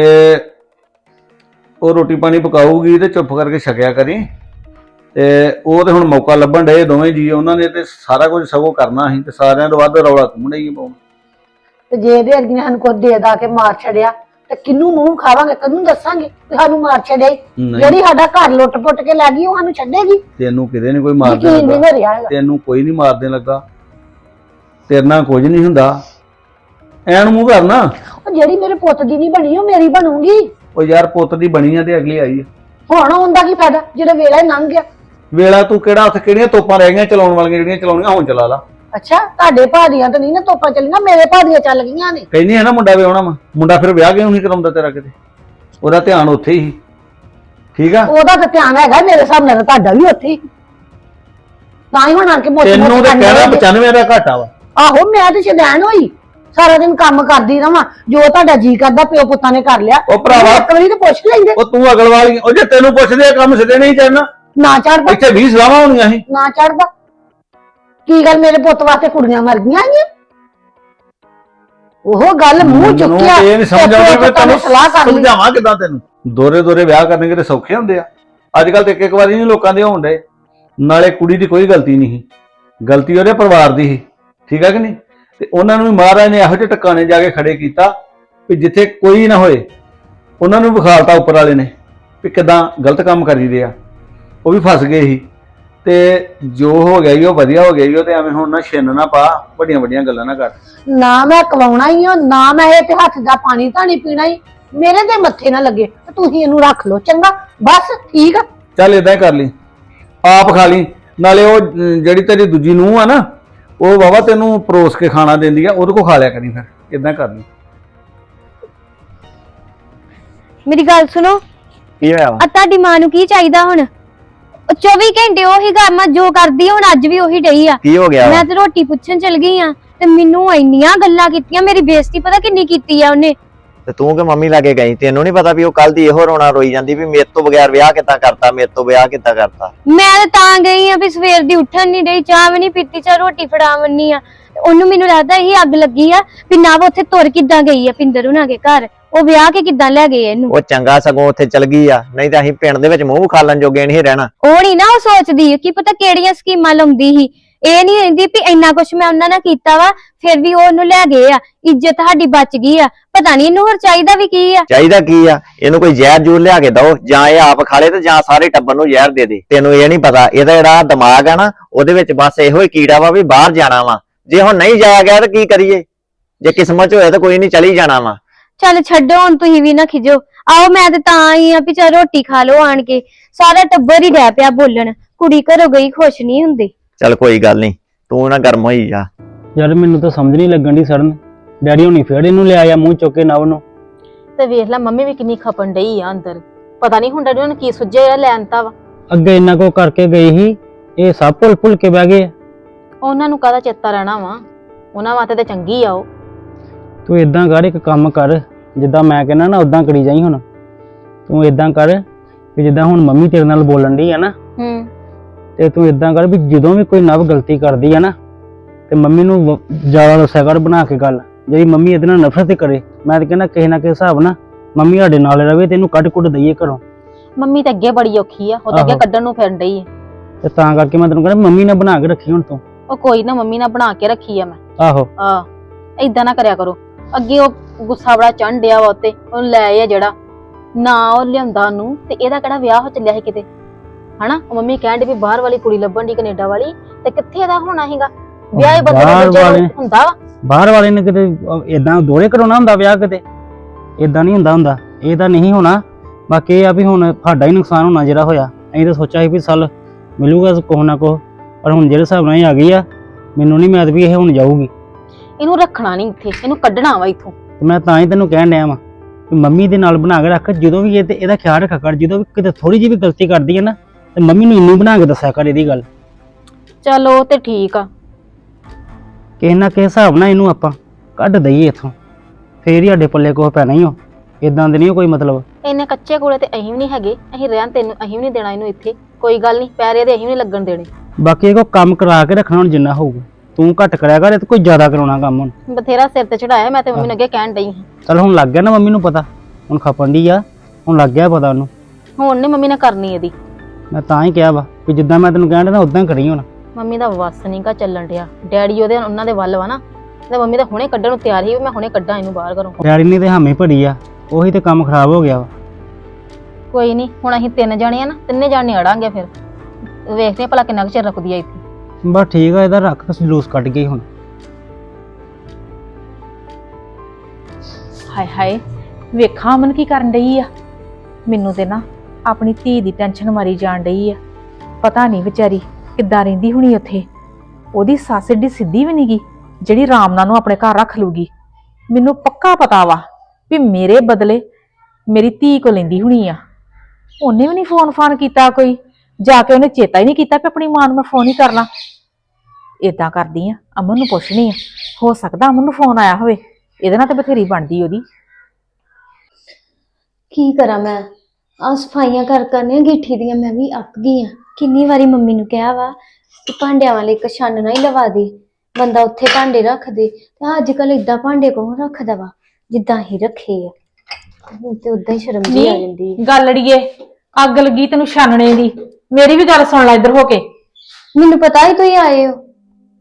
Speaker 4: ਉਹ ਰੋਟੀ ਪਾਣੀ ਪਕਾਊਗੀ ਤੇ ਚੁੱਪ ਕਰਕੇ ਛਕਿਆ ਕਰੀ ਤੇ ਉਹ ਤੇ ਹੁਣ ਮੌਕਾ ਲੱਭਣ ਡਏ ਦੋਵੇਂ ਜੀ ਉਹਨਾਂ ਨੇ ਤੇ ਸਾਰਾ ਕੁਝ ਸਗੋਂ ਕਰਨਾ ਸੀ ਤੇ ਸਾਰਿਆਂ ਤੋਂ ਵੱਧ ਰੌਲਾ ਤੂੰ ਨਹੀਂ ਪਾਉਣਾ
Speaker 1: ਤੇ ਜੇ ਇਹਦੇ ਅਰਗੀ ਨੇ ਸਾਨੂੰ ਕੁਝ ਦੇ ਦਾ ਕੇ ਮਾਰ ਛੜਿਆ ਤੇ ਕਿੰਨੂੰ ਮੂੰਹ ਖਾਵਾਂਗੇ ਕਿੰਨੂੰ ਦੱਸਾਂਗੇ ਕਿ ਸਾਨੂੰ ਮਾਰ ਛੜਿਆ ਜਿਹੜੀ ਸਾਡਾ ਘਰ ਲੁੱਟ ਪੁੱਟ ਕੇ ਲੈ ਗਈ ਉਹ ਸਾਨੂੰ ਛੱਡੇਗੀ
Speaker 4: ਤੈਨੂੰ ਕਿਤੇ ਨਹੀਂ ਕੋਈ ਮਾਰਦੇ
Speaker 1: ਯਕੀਨ ਨਹੀਂ ਰਿਹਾ ਹੈਗਾ
Speaker 4: ਤੈਨੂੰ ਕੋਈ ਨਹੀਂ ਮਾਰਦੇ ਲੱਗਾ ਤੇਰੇ ਨਾਲ ਕੁਝ ਨਹੀਂ ਹੁੰਦਾ ਐਨ ਮੂੰਹ ਕਰਨਾ
Speaker 1: ਉਹ ਜਿਹੜੀ ਮੇਰੇ ਪੁੱਤ ਦੀ ਨਹੀਂ ਬਣੀ ਉਹ ਮੇਰੀ ਬਣੂਗੀ
Speaker 4: ਉਹ ਯਾਰ ਪੁੱਤ ਦੀ ਬਣੀ ਆ ਤੇ ਅਗਲੀ ਆਈ ਆ
Speaker 1: ਹੁਣ ਹੁੰਦਾ ਕੀ ਫਾਇਦਾ ਜਿਹੜਾ ਵੇਲਾ ਹੀ ਲੰਘ ਗਿਆ
Speaker 4: ਵੇਲਾ ਤੂੰ ਕਿਹੜਾ ਉੱਥੇ ਕਿਹੜੀਆਂ ਤੋਪਾਂ ਰਹਿ ਗਈਆਂ ਚਲਾਉਣ ਵਾਲੀਆਂ ਜਿਹੜੀਆਂ ਚਲਾਉਣੀਆਂ ਹੁਣ ਚਲਾ ਲਾ
Speaker 1: ਅੱਛਾ ਤੁਹਾਡੇ ਭਾਦੀਆਂ ਤਾਂ ਨਹੀਂ ਨਾ ਤੋਪਾਂ ਚੱਲੀਆਂ ਮੇਰੇ ਭਾਦੀਆਂ ਚੱਲ ਗਈਆਂ ਨੇ
Speaker 4: ਕਹਿੰਦੀ ਹੈ ਨਾ ਮੁੰਡਾ ਵਿਆਹਣਾ ਵਾ ਮੁੰਡਾ ਫਿਰ ਵਿਆਹ ਕਿਉਂ ਨਹੀਂ ਕਰਾਉਂਦਾ ਤੇਰਾ ਕਿਤੇ ਉਹਦਾ ਧਿਆਨ ਉੱਥੇ ਹੀ ਠੀਕ ਆ
Speaker 1: ਉਹਦਾ ਤਾਂ ਧਿਆਨ ਹੈਗਾ ਮੇਰੇ ਸਾਹਮਣੇ ਤਾਂ ਤੁਹਾਡਾ ਵੀ ਉੱਥੇ ਹੀ ਤਾਂ ਹੀ ਹੁਣ ਆ ਕੇ ਮੋਟੀ
Speaker 4: ਤੈਨੂੰ ਤੇ ਕਹਿਣਾ ਪਚਾਨਵੇਂ ਦਾ ਘਾਟਾ ਵਾ
Speaker 1: ਆਹੋ ਮੈਂ ਤੇ ਸ਼ੈਤਾਨ ਹੋਈ ਸਾਰਾ ਦਿਨ ਕੰਮ ਕਰਦੀ ਰਵਾਂ ਜੋ ਤੁਹਾਡਾ ਜੀ ਕਰਦਾ ਪਿਓ ਪੁੱਤਾਂ ਨੇ ਕਰ ਲਿਆ
Speaker 4: ਉਹ ਭਰਾਵਾ
Speaker 1: ਇੱਕ ਵਾਰੀ ਤਾਂ ਪੁੱਛ ਲੈਂਦੇ
Speaker 4: ਉਹ ਤੂੰ ਅਗਲ ਵਾਲੀ ਉਹ ਜੇ ਤੈਨੂੰ ਪੁੱਛਦੇ ਆ ਕੰਮ ਸਿੱਧੇ ਨਹੀਂ ਚੜਨਾ
Speaker 1: ਨਾ ਚੜਦਾ
Speaker 4: ਇੱਥੇ ਵੀਹ ਸਲਾਹਾਂ ਹੋਣੀਆਂ ਸੀ
Speaker 1: ਨਾ ਚੜਦਾ ਕੀ ਗੱਲ ਮੇਰੇ ਪੁੱਤ ਵਾਸਤੇ ਕੁੜੀਆਂ ਮਰ ਗਈਆਂ ਆਈਆਂ ਉਹ ਗੱਲ ਮੂੰਹ ਚੁੱਕਿਆ
Speaker 4: ਇਹ ਨਹੀਂ ਸਮਝ ਆਉਂਦੀ ਵੀ ਤੈਨੂੰ
Speaker 1: ਸਲਾਹ ਕਰ ਲਈ
Speaker 4: ਸਮਝਾਵਾਂ ਕਿਦਾਂ ਤੈਨੂੰ ਦੋਰੇ ਦੋਰੇ ਵਿਆਹ ਕਰਨੇ ਕਿਤੇ ਸੌਖੇ ਹੁੰਦੇ ਆ ਅੱਜ ਕੱਲ ਤੇ ਇੱਕ ਇੱਕ ਵਾਰੀ ਨਹੀਂ ਲੋਕਾਂ ਦੇ ਹੋਣ ਡੇ ਨਾਲੇ ਕੁੜੀ ਦੀ ਕੋਈ ਗਲਤੀ ਨਹੀਂ ਗਲਤੀ ਉਹਦੇ ਪਰਿਵਾਰ ਦੀ ਸੀ, ਠੀਕ ਹੈ ਕਿ ਨਹੀਂ? ਤੇ ਉਹਨਾਂ ਨੂੰ ਵੀ ਮਹਾਰਾਜ ਨੇ ਇਹੋ ਜਿਹੇ ਟਿਕਾਣੇ ਜਾ ਕੇ ਖੜੇ ਕੀਤਾ ਵੀ ਜਿੱਥੇ ਕੋਈ ਨਾ ਹੋਏ। ਉਹਨਾਂ ਨੂੰ ਵਿਖਾਲਤਾ ਉੱਪਰ ਵਾਲੇ ਨੇ ਵੀ ਕਿਦਾਂ ਗਲਤ ਕੰਮ ਕਰੀਦੇ ਆ। ਉਹ ਵੀ ਫਸ ਗਏ ਸੀ। ਤੇ ਜੋ ਹੋ ਗਿਆ ਈ ਉਹ ਵਧੀਆ ਹੋ ਗਿਆ ਈ ਉਹ, ਤੇ ਐਵੇਂ ਹੁਣ ਨਾ ਛਿੰਨ ਨਾ ਪਾ, ਵੱਡੀਆਂ ਵੱਡੀਆਂ ਗੱਲਾਂ ਨਾ ਕਰ।
Speaker 1: ਨਾ ਮੈਂ ਕਵਾਉਣਾ ਹੀ ਆ, ਨਾ ਮੈਂ ਇਹ ਤੇ ਹੱਥ ਦਾ ਪਾਣੀ ਧਾਣੀ ਪੀਣਾ ਹੀ, ਮੇਰੇ ਤੇ ਮੱਥੇ ਨਾ ਲੱਗੇ ਤੇ ਤੁਸੀਂ ਇਹਨੂੰ ਰੱਖ ਲਓ, ਚੰਗਾ? ਬਸ ਠੀਕ ਆ।
Speaker 4: ਚੱਲ ਏਦਾਂ ਹੀ ਕਰ ਲਈ, ਆਪ ਖਾ ਲਈ। ਨਾਲੇ ਉਹ ਅਮ, ਜਿਹੜੀ ਤੇਰੀ ਦੂਜੀ ਨੂੰਹ ਆ ਨਾ, ਉਹ ਬਾਬਾ ਤੈਨੂੰ ਪਰੋਸ ਕੇ ਖਾਣਾ ਦਿੰਦੀ ਆ, ਉਹਦੇ ਕੋਲ ਖਾ ਲਿਆ ਕਰੀ। ਫਿਰ ਏਦਾਂ ਕਰ ਲਈ।
Speaker 5: ਮੇਰੀ ਗੱਲ ਸੁਣੋ,
Speaker 6: ਕੀ ਹੋਇਆ ਵਾ?
Speaker 5: ਆ ਤੁਹਾਡੀ ਮਾਂ ਨੂੰ ਕੀ ਚਾਹੀਦਾ ਹੁਣ? ਉਹ ਚੌਵੀ ਘੰਟੇ ਉਹੀ ਕੰਮ ਆ ਜੋ ਕਰਦੀ ਆ, ਹੁਣ ਅੱਜ ਵੀ ਉਹੀ ਡਈ ਆ।
Speaker 6: ਕੀ ਹੋ ਗਿਆ ਵਾ?
Speaker 5: ਮੈਂ ਤੇ ਰੋਟੀ ਪੁੱਛਣ ਚਲ ਗਈ ਆ ਤੇ ਮੈਨੂੰ ਇੰਨੀਆਂ ਗੱਲਾਂ ਕੀਤੀਆਂ, ਮੇਰੀ ਬੇਇੱਜ਼ਤੀ ਪਤਾ ਕਿੰਨੀ ਕੀਤੀ ਆ ਉਹਨੇ।
Speaker 6: ਤੇ ਤੂੰ ਕਿ ਮੰਮੀ ਲਾਗੇ ਗਈ, ਤੈਨੂੰ ਨਹੀਂ ਪਤਾ ਵੀ ਉਹ ਕੱਲ ਦੀ ਇਹੋ ਰੋਣਾ ਰੋਈ ਜਾਂਦੀ ਵੀ ਮੇਰੇ ਤੋਂ ਬਗੈਰ ਵਿਆਹ ਕਿੱਦਾਂ ਕਰਤਾ, ਮੇਰੇ ਤੋਂ ਵਿਆਹ ਕਿੱਦਾਂ ਕਰਤਾ?
Speaker 5: ਮੈਂ ਤਾਂ ਤਾਂ ਗਈ ਆ ਵੀ ਸਵੇਰ ਦੀ ਉੱਠਣ ਨਹੀਂ ਡਈ, ਚਾਹ ਵੀ ਨਹੀਂ ਪੀਤੀ, ਚਾਹ ਰੋਟੀ ਫੜਾਵਣੀ ਆ। ਉਹਨੂੰ ਮੈਨੂੰ ਲੱਗਦਾ ਇਹੀ ਅੱਗ ਲੱਗੀ ਆ ਵੀ ਨਾ ਉਹ ਉੱਥੇ ਤੁਰ ਕਿੱਦਾਂ ਗਈ ਆ ਪਿੰਦਰ ਹੁਣਾਂ ਦੇ ਘਰ, ਉਹ ਵਿਆਹ ਕੇ ਕਿੱਦਾਂ ਲੈ ਗਏ ਇਹਨੂੰ।
Speaker 6: ਉਹ ਚੰਗਾ ਸਗੋਂ ਉੱਥੇ ਚਲ ਗਈ ਆ, ਨਹੀਂ ਤਾਂ ਅਸੀਂ ਪਿੰਡ ਦੇ ਵਿੱਚ ਮੂੰਹ ਖਾਲਣ ਜੋਗੇ ਨਹੀਂ ਰਹਿਣਾ।
Speaker 5: ਉਹ ਨਹੀਂ ਨਾ ਉਹ ਸੋਚਦੀ ਕੀ ਪਤਾ ਕਿਹੜੀਆਂ ਸਕੀਮਾਂ ਲਾਉਂਦੀ ਸੀ। ਇਹ ਨਹੀਂ ਰਹਿੰਦੀ ਵੀ ਇੰਨਾ ਕੁਛ ਮੈਂ ਉਹਨਾਂ ਨਾਲ ਕੀਤਾ ਵਾ ਫਿਰ ਵੀ ਉਹ ਉਹਨੂੰ ਲੈ ਗਏ ਆ, ਇੱਜ਼ਤ ਸਾਡੀ ਬਚ ਗਈ ਆ। ਪਤਾ ਨਹੀਂ ਇਹਨੂੰ ਹੋਰ ਚਾਹੀਦਾ ਵੀ ਕੀ ਆ।
Speaker 6: ਚਾਹੀਦਾ ਕੀ ਆ ਇਹਨੂੰ? ਕੋਈ ਜ਼ਹਿਰ ਜੂਰ ਲਿਆ ਕੇ ਦਓ, ਜਾਂ ਇਹ ਆਪ ਖਾ ਲੇ ਤੇ ਜਾਂ ਸਾਰੇ ਟੱਬਰ ਨੂੰ ਜ਼ਹਿਰ ਦੇ ਦੇ। ਤੈਨੂੰ ਇਹ ਨਹੀਂ ਪਤਾ ਇਹਦਾ ਜਿਹੜਾ ਦਿਮਾਗ ਆ ਨਾ, ਉਹਦੇ ਵਿੱਚ ਬਸ ਇਹੋ ਹੀ ਕੀੜਾ ਵਾ ਵੀ ਬਾਹਰ ਜਾਣਾ ਵਾ। ਜੇ ਹੁਣ ਨਹੀਂ ਜਾਇਆ ਗਿਆ ਤਾਂ ਕੀ ਕਰੀਏ? ਜੇ ਕਿਸਮਤ ਚ ਹੋਇਆ ਤਾਂ ਕੋਈ ਨਹੀਂ, ਚਲੀ ਜਾਣਾ ਵਾ।
Speaker 5: ਚੱਲ ਛੱਡੋ ਹੁਣ, ਤੁਸੀਂ ਵੀ ਨਾ ਖਿਜੋ। ਆਓ ਮੈਂ ਤੇ ਤਾਂ ਆਈ ਆ ਵੀ ਚੱਲ ਰੋਟੀ ਖਾ ਲਓ ਆਣ ਕੇ। ਸਾਰਾ ਟੱਬਰ ਹੀ ਡੈ ਪਿਆ ਬੋਲਣ, ਕੁੜੀ ਘਰੋਂ ਗਈ ਖੁਸ਼ ਨਹੀਂ ਹੁੰਦੀ।
Speaker 6: ਚੱਲ ਕੋਈ ਗੱਲ ਨਹੀਂ, ਤੂੰ ਨਾ ਗਰਮ ਹੋਈ ਜਾ।
Speaker 7: ਯਾਰ ਮੈਨੂੰ ਤਾਂ ਸਮਝ ਨਹੀਂ ਲੱਗਣ ਦੀ ਸੜਨ, ਡੈਡੀ ਹੁਣੀ ਫੇਰ ਇਹਨੂੰ ਲੈ ਆਇਆ ਮੂੰਹ ਚੁੱਕ ਕੇ ਨਵ ਨੂੰ।
Speaker 2: ਤੇ ਵੇਖ ਲੈ ਮੰਮੀ ਵੀ ਕਿੰਨੀ ਖਪਣ ਡਈ ਆ ਅੰਦਰ, ਪਤਾ ਨਹੀਂ ਹੁਣ ਡੈਡੀ ਉਹਨਾਂ ਕੀ ਸੁੱਝਿਆ ਲੈਣ ਤਾ ਵਾ।
Speaker 7: ਅੱਗੇ ਇੰਨਾ ਕੋ ਕਰਕੇ ਗਈ ਸੀ, ਇਹ ਸਭ ਭੁੱਲ ਭੁੱਲ ਕੇ ਬਹਿ ਗਏ।
Speaker 2: ਉਹਨਾਂ ਨੂੰ ਕਾਹਦਾ ਚੇਤਾ ਰਹਿਣਾ ਵਾ, ਉਹਨਾਂ ਵਾਸਤੇ ਤੇ ਚੰਗੀ ਆ ਉਹ।
Speaker 7: ਤੂੰ ਇਦਾਂ ਕਰ, ਇੱਕ ਕੰਮ ਕਰ, ਜਿੱਦਾਂ ਮੈਂ ਕਹਿੰਦਾ ਨਾ ਉਦਾਂ ਕਰੀ ਜਾਈ। ਹੁਣ ਤੂੰ ਇਦਾਂ ਕਰ ਵੀ ਜਿੱਦਾਂ ਹੁਣ ਮੰਮੀ ਤੇਰੇ ਨਾਲ ਬੋਲਣ ਡਈ ਆ ਨਾ,
Speaker 2: ਹੂੰ,
Speaker 7: ਤੇ ਤੂੰ ਇਦਾਂ ਕਰ ਵੀ ਜਦੋਂ ਵੀ ਕੋਈ ਨਵ ਗਲਤੀ ਕਰਦੀ ਆ ਨਾ, ਤੇ ਮੰਮੀ ਨੂੰ ਵ- ਜ਼ਿਆਦਾ ਦੱਸਿਆ ਕਰ ਬਣਾ ਕੇ ਗੱਲ। ਜਿਹੜੀ ਮੰਮੀ ਇਹਦੇ ਨਾਲ ਨਫ਼ਰਤ ਕਰੇ, ਮੈਂ ਤਾਂ ਕਹਿੰਦਾ ਕਿਸੇ ਨਾ ਕਿਸੇ ਹਿਸਾਬ ਨਾਲ ਮੰਮੀ ਸਾਡੇ ਨਾਲ ਰਵੇ ਤੇ ਇਹਨੂੰ ਕੱਢ ਕੁੱਟ ਦਈਏ ਘਰੋਂ।
Speaker 2: ਮੰਮੀ ਤਾਂ ਅੱਗੇ ਬੜੀ ਔਖੀ ਆ, ਉਹ ਤਾਂ ਅੱਗੇ
Speaker 7: ਆਹੋ।
Speaker 2: ਕੱਢਣ ਨੂੰ ਫਿਰਨ ਡਈ ਆ।
Speaker 7: ਤੇ ਤਾਂ ਕਰਕੇ ਮੈਂ ਤੈਨੂੰ ਕਹਿੰਦਾ ਮੰਮੀ ਨਾਲ ਬਣਾ ਕੇ ਰੱਖੀ ਹੁਣ ਤੂੰ।
Speaker 2: ਉਹ ਕੋਈ ਨਾ, ਮੰਮੀ ਨਾਲ ਬਣਾ ਕੇ ਰੱਖੀ ਆ ਮੈਂ।
Speaker 7: ਆਹੋ
Speaker 2: ਆ ਏਦਾਂ ਨਾ ਕਰਿਆ ਕਰੋ। ਅੱਗੇ ਉਹ ਗੁੱਸਾ ਬੜਾ ਚੜ੍ਹਨ ਡਿਆ ਵਾ ਉੱਤੇ, ਉਹ ਲੈ ਆ ਜਿਹੜਾ ਨਾ ਉਹ ਲਿਆਉਂਦਾ ਉਹਨੂੰ, ਤੇ ਇਹਦਾ ਕਿਹੜਾ ਵਿਆਹ ਹੋ ਚੱਲਿਆ ਸੀ ਕਿਤੇ, ਹਨਾ? ਉਹ ਮੰਮੀ ਕਹਿਣ ਡਈ ਵੀ ਬਾਹਰ ਵਾਲੀ ਕੁੜੀ ਲੱਭਣ ਦੀ, ਕੈਨੇਡਾ ਵਾਲੀ, ਤੇ ਕਿੱਥੇ ਇਹਦਾ ਹੋਣਾ ਸੀਗਾ ਵਿਆਹ? ਹੀ ਬੰਦੇ
Speaker 7: ਬਾਹਰ
Speaker 2: ਦਾ
Speaker 7: ਵਾਲੇ-
Speaker 2: ਜਦੋਂ ਹੁੰਦਾ ਵਾ।
Speaker 7: ਬਾਹਰ ਵਾਲੇ ਨੇ ਕਿਤੇ ਇਦਾਂ ਦੋਰੇ ਕਰਾਉਣਾ ਹੁੰਦਾ ਵਿਆਹ, ਕਿਤੇ ਇਦਾਂ ਨਹੀਂ ਹੁੰਦਾ ਹੁੰਦਾ। ਇਹ ਤਾਂ ਨਹੀਂ ਹੋਣਾ। ਬਾਕੀ ਇਹ ਆ ਵੀ ਹੁਣ ਸਾਡਾ ਹੀ ਨੁਕਸਾਨ ਹੋਣਾ ਜਿਹੜਾ ਹੋਇਆ। ਅਸੀਂ ਤਾਂ ਸੋਚਿਆ ਸੀ ਵੀ ਸਾਲ ਮਿਲੂਗਾ ਕੁਛ ਨਾ ਕੁਛ, ਪਰ ਹੁਣ ਜਿਹੜੇ ਹਿਸਾਬ ਨਾਲ ਇਹ ਆ ਗਈ ਆ, ਮੈਨੂੰ ਨਹੀਂ ਮੈਦ ਵੀ ਇਹ ਹੁਣ ਜਾਊਗੀ।
Speaker 2: ਇਹਨੂੰ ਰੱਖਣਾ ਨਹੀਂ ਇੱਥੇ, ਇਹਨੂੰ ਕੱਢਣਾ ਵਾ ਇੱਥੋਂ।
Speaker 7: ਤੇ ਮੈਂ ਤਾਂ ਹੀ ਤੈਨੂੰ ਕਹਿਣ ਡਿਆ ਵਾਂ ਵੀ ਮੰਮੀ ਦੇ ਨਾਲ ਬਣਾ ਕੇ ਰੱਖ। ਜਦੋਂ ਵੀ ਇਹ ਤੇ ਇਹਦਾ ਖਿਆਲ ਰੱਖਿਆ ਕਰ, ਜਦੋਂ ਵੀ ਕਿਤੇ ਥੋੜੀ ਜਿਹੀ ਵੀ ਗਲਤੀ ਕਰਦੀ ਹੈ ਨਾ, ਤੇ ਮੰਮੀ ਨੂੰ ਇੰਨੀ ਬਣਾ ਕੇ ਦੱਸਿਆ ਕਰ ਇਹਦੀ ਗੱਲ।
Speaker 2: ਚਲੋ ਤੇ ਠੀਕ ਆ।
Speaker 7: ਕਿਸੇ ਨਾ ਕਿਸੇ ਹਿਸਾਬ ਨਾਲ ਇਹਨੂੰ ਆਪਾਂ ਕੱਢ ਦਈਏ ਇੱਥੋਂ, ਫੇਰ ਹੀ ਸਾਡੇ ਪੱਲੇ ਕੋਹ ਪੈਣਾ ਹੀ ਹੋ। ਇਦਾਂ ਦੇ ਨਹੀਂ ਕੋਈ ਮਤਲਬ।
Speaker 2: ਇੰਨੇ ਕੱਚੇ ਕੋਲੇ ਤੇ ਅਸੀਂ ਵੀ ਨਹੀਂ ਹੈਗੇ, ਅਸੀਂ ਰਹਿਣ ਤੈਨੂੰ ਅਸੀਂ ਵੀ ਨਹੀਂ ਦੇਣਾ ਇਹਨੂੰ ਇੱਥੇ। ਕੋਈ ਗੱਲ ਨਹੀਂ, ਪੈਰੇ ਦੇ ਅਸੀਂ ਵੀ ਨਹੀਂ ਲੱਗਣ ਦੇਣੇ।
Speaker 7: ਬਾਕੀ ਇਹ ਕੋ ਕੰਮ ਕਰਾ ਕੇ ਰੱਖਣਾ ਹੁਣ ਜਿੰਨਾ ਹੋਊਗਾ। ਤੂੰ ਘੱਟ ਕਰਿਆ ਕਰ, ਇਹ ਤੇ ਕੋਈ ਜ਼ਿਆਦਾ ਕਰਾਉਣਾ ਕੰਮ ਹੁਣ।
Speaker 2: ਬਥੇਰਾ ਸਿਰ ਤੇ ਚੜਾਇਆ, ਮੈਂ ਤੇ ਮੰਮੀ ਨੂੰ ਅੱਗੇ ਕਹਿਣ ਡਈ ਹਾਂ।
Speaker 7: ਚਲ ਹੁਣ ਲੱਗ ਗਿਆ ਨਾ ਮੰਮੀ ਨੂੰ ਪਤਾ, ਹੁਣ ਖਪਣ ਦੀ ਆ, ਹੁਣ ਲੱਗ ਗਿਆ ਪਤਾ ਉਹਨੂੰ।
Speaker 2: ਹੁਣ ਨੀ ਮੰਮੀ ਨੇ ਕਰਨੀ ਇਹਦੀ।
Speaker 7: ਮੈਂ ਤਾਂ ਹੀ ਕਿਹਾ ਵਾ ਵੀ ਜਿੱਦਾਂ ਮੈਂ ਤੈਨੂੰ ਕਹਿਣ ਡਿਆ ਨਾ ਉਦਾਂ ਕਰੀ ਹੁਣ।
Speaker 2: ਮੰਮੀ ਦਾ ਵਸ ਨੀ ਗਾ ਚੱਲਣ ਡਿਆ, ਡੈਡੀ ਉਹਦੇ ਉਹਨਾਂ ਦੇ ਵੱਲ ਵਾ ਨਾ, ਤੇ ਮੰਮੀ ਤਾਂ ਹੁਣੇ ਕੱਢਣ ਨੂੰ ਤਿਆਰ ਸੀ ਵੀ ਮੈਂ ਹੁਣੇ ਕੱਢਾਂ ਇਹਨੂੰ ਬਾਹਰ ਘਰੋਂ।
Speaker 7: ਡੈਡੀ ਨੇ ਤੇ ਹਾਮੀ ਭੜੀ ਆ, ਉਹੀ ਤੇ ਕੰਮ ਖਰਾਬ ਹੋ ਗਿਆ ਵਾ।
Speaker 2: ਕੋਈ ਨਹੀਂ, ਹੁਣ ਅਸੀਂ ਤਿੰਨ ਜਾਣੇ ਆ ਨਾ, ਤਿੰਨੇ ਜਾਣੇ ਅੜਾਂਗੇ। ਫਿਰ ਵੇਖਦੇ ਆ ਭਲਾ ਕਿੰਨਾ ਕੁ ਚਿਰ ਰੁਕਦੀ ਆ ਇੱਥੇ।
Speaker 7: ਬਸ ਠੀਕ ਆ, ਇਹਦਾ ਰੱਖ ਜਲੂਸ ਕੱਢ ਗਈ ਹੁਣ।
Speaker 3: ਹਾਏ ਹਾਏ, ਵੇਖਾਂ ਅਮਨ ਕੀ ਕਰਨ ਡਈ ਆ। ਮੈਨੂੰ ਤੇ ਨਾ ਆਪਣੀ ਧੀ ਦੀ ਟੈਨਸ਼ਨ ਮਾਰੀ ਜਾਣ ਡਈ ਆ। ਪਤਾ ਨਹੀਂ ਵਿਚਾਰੀ ਕਿੱਦਾਂ ਰਹਿੰਦੀ ਹੁਣੀ ਉੱਥੇ। ਉਹਦੀ ਸੱਸ ਏਡੀ ਸਿੱਧੀ ਵੀ ਨਹੀਂਗੀ ਜਿਹੜੀ ਰਾਮਨਾ ਨੂੰ ਆਪਣੇ ਘਰ ਰੱਖ ਲੂਗੀ। ਮੈਨੂੰ ਪੱਕਾ ਪਤਾ ਵਾ ਵੀ ਮੇਰੇ ਬਦਲੇ ਮੇਰੀ ਧੀ ਕੋ ਲੈਂਦੀ ਹੁਣੀ ਆ। ਉਹਨੇ ਵੀ ਨਹੀਂ ਫੋਨ ਫਾਨ ਕੀਤਾ, ਕੋਈ ਜਾ ਕੇ ਉਹਨੇ ਚੇਤਾ ਹੀ ਨਹੀਂ ਕੀਤਾ ਕਿ ਆਪਣੀ ਮਾਂ ਨੂੰ ਮੈਂ ਫੋਨ ਹੀ ਕਰਨਾ। ਏਦਾਂ ਕਰਦੀ ਆ, ਅਮਨ ਨੂੰ ਪੁੱਛਣੀ ਆ, ਹੋ ਸਕਦਾ ਅਮਨ ਨੂੰ ਫੋਨ ਆਇਆ ਹੋਵੇ, ਇਹਦੇ ਨਾਲ ਤੇ ਬਥੇਰੀ ਬਣਦੀ ਉਹਦੀ।
Speaker 5: ਕੀ ਕਰਾਂ ਮੈਂ? ਆ ਸਫਾਈਆਂ ਕਰ ਕਰਨੀਆਂ ਗਿੱਠੀ ਦੀਆਂ, ਮੈਂ ਵੀ ਅੱਕ ਗਈ ਆ। ਕਿੰਨੀ ਵਾਰੀ ਮੰਮੀ ਨੂੰ ਕਿਹਾ ਵਾ ਕਿ ਭਾਂਡਿਆਂ ਵਾਲੇ ਇੱਕ ਛੰਨ ਨਾ ਹੀ ਲਵਾ ਦੇ, ਬੰਦਾ ਉੱਥੇ ਭਾਂਡੇ ਰੱਖ ਦੇ। ਤੇ ਅੱਜ ਕੱਲ ਏਦਾਂ ਭਾਂਡੇ ਕੌਣ ਰੱਖਦਾ ਵਾ ਜਿੱਦਾਂ ਹੀ ਰੱਖੇ ਆ। ਮੈਨੂੰ ਤੇ ਉਦਾਂ ਹੀ ਸ਼ਰਮ ਜਿਹੀ ਆ ਜਾਂਦੀ ਹੈ।
Speaker 3: ਗੱਲ ਅੜੀਏ, ਅੱਗ ਲੱਗੀ ਤੈਨੂੰ ਛਾਨਣੇ ਦੀ। ਮੇਰੀ ਵੀ ਗੱਲ ਸੁਣ ਲੈ ਇੱਧਰ ਹੋ ਕੇ।
Speaker 5: ਮੈਨੂੰ ਪਤਾ ਹੀ ਤੁਸੀਂ ਆਏ ਹੋ,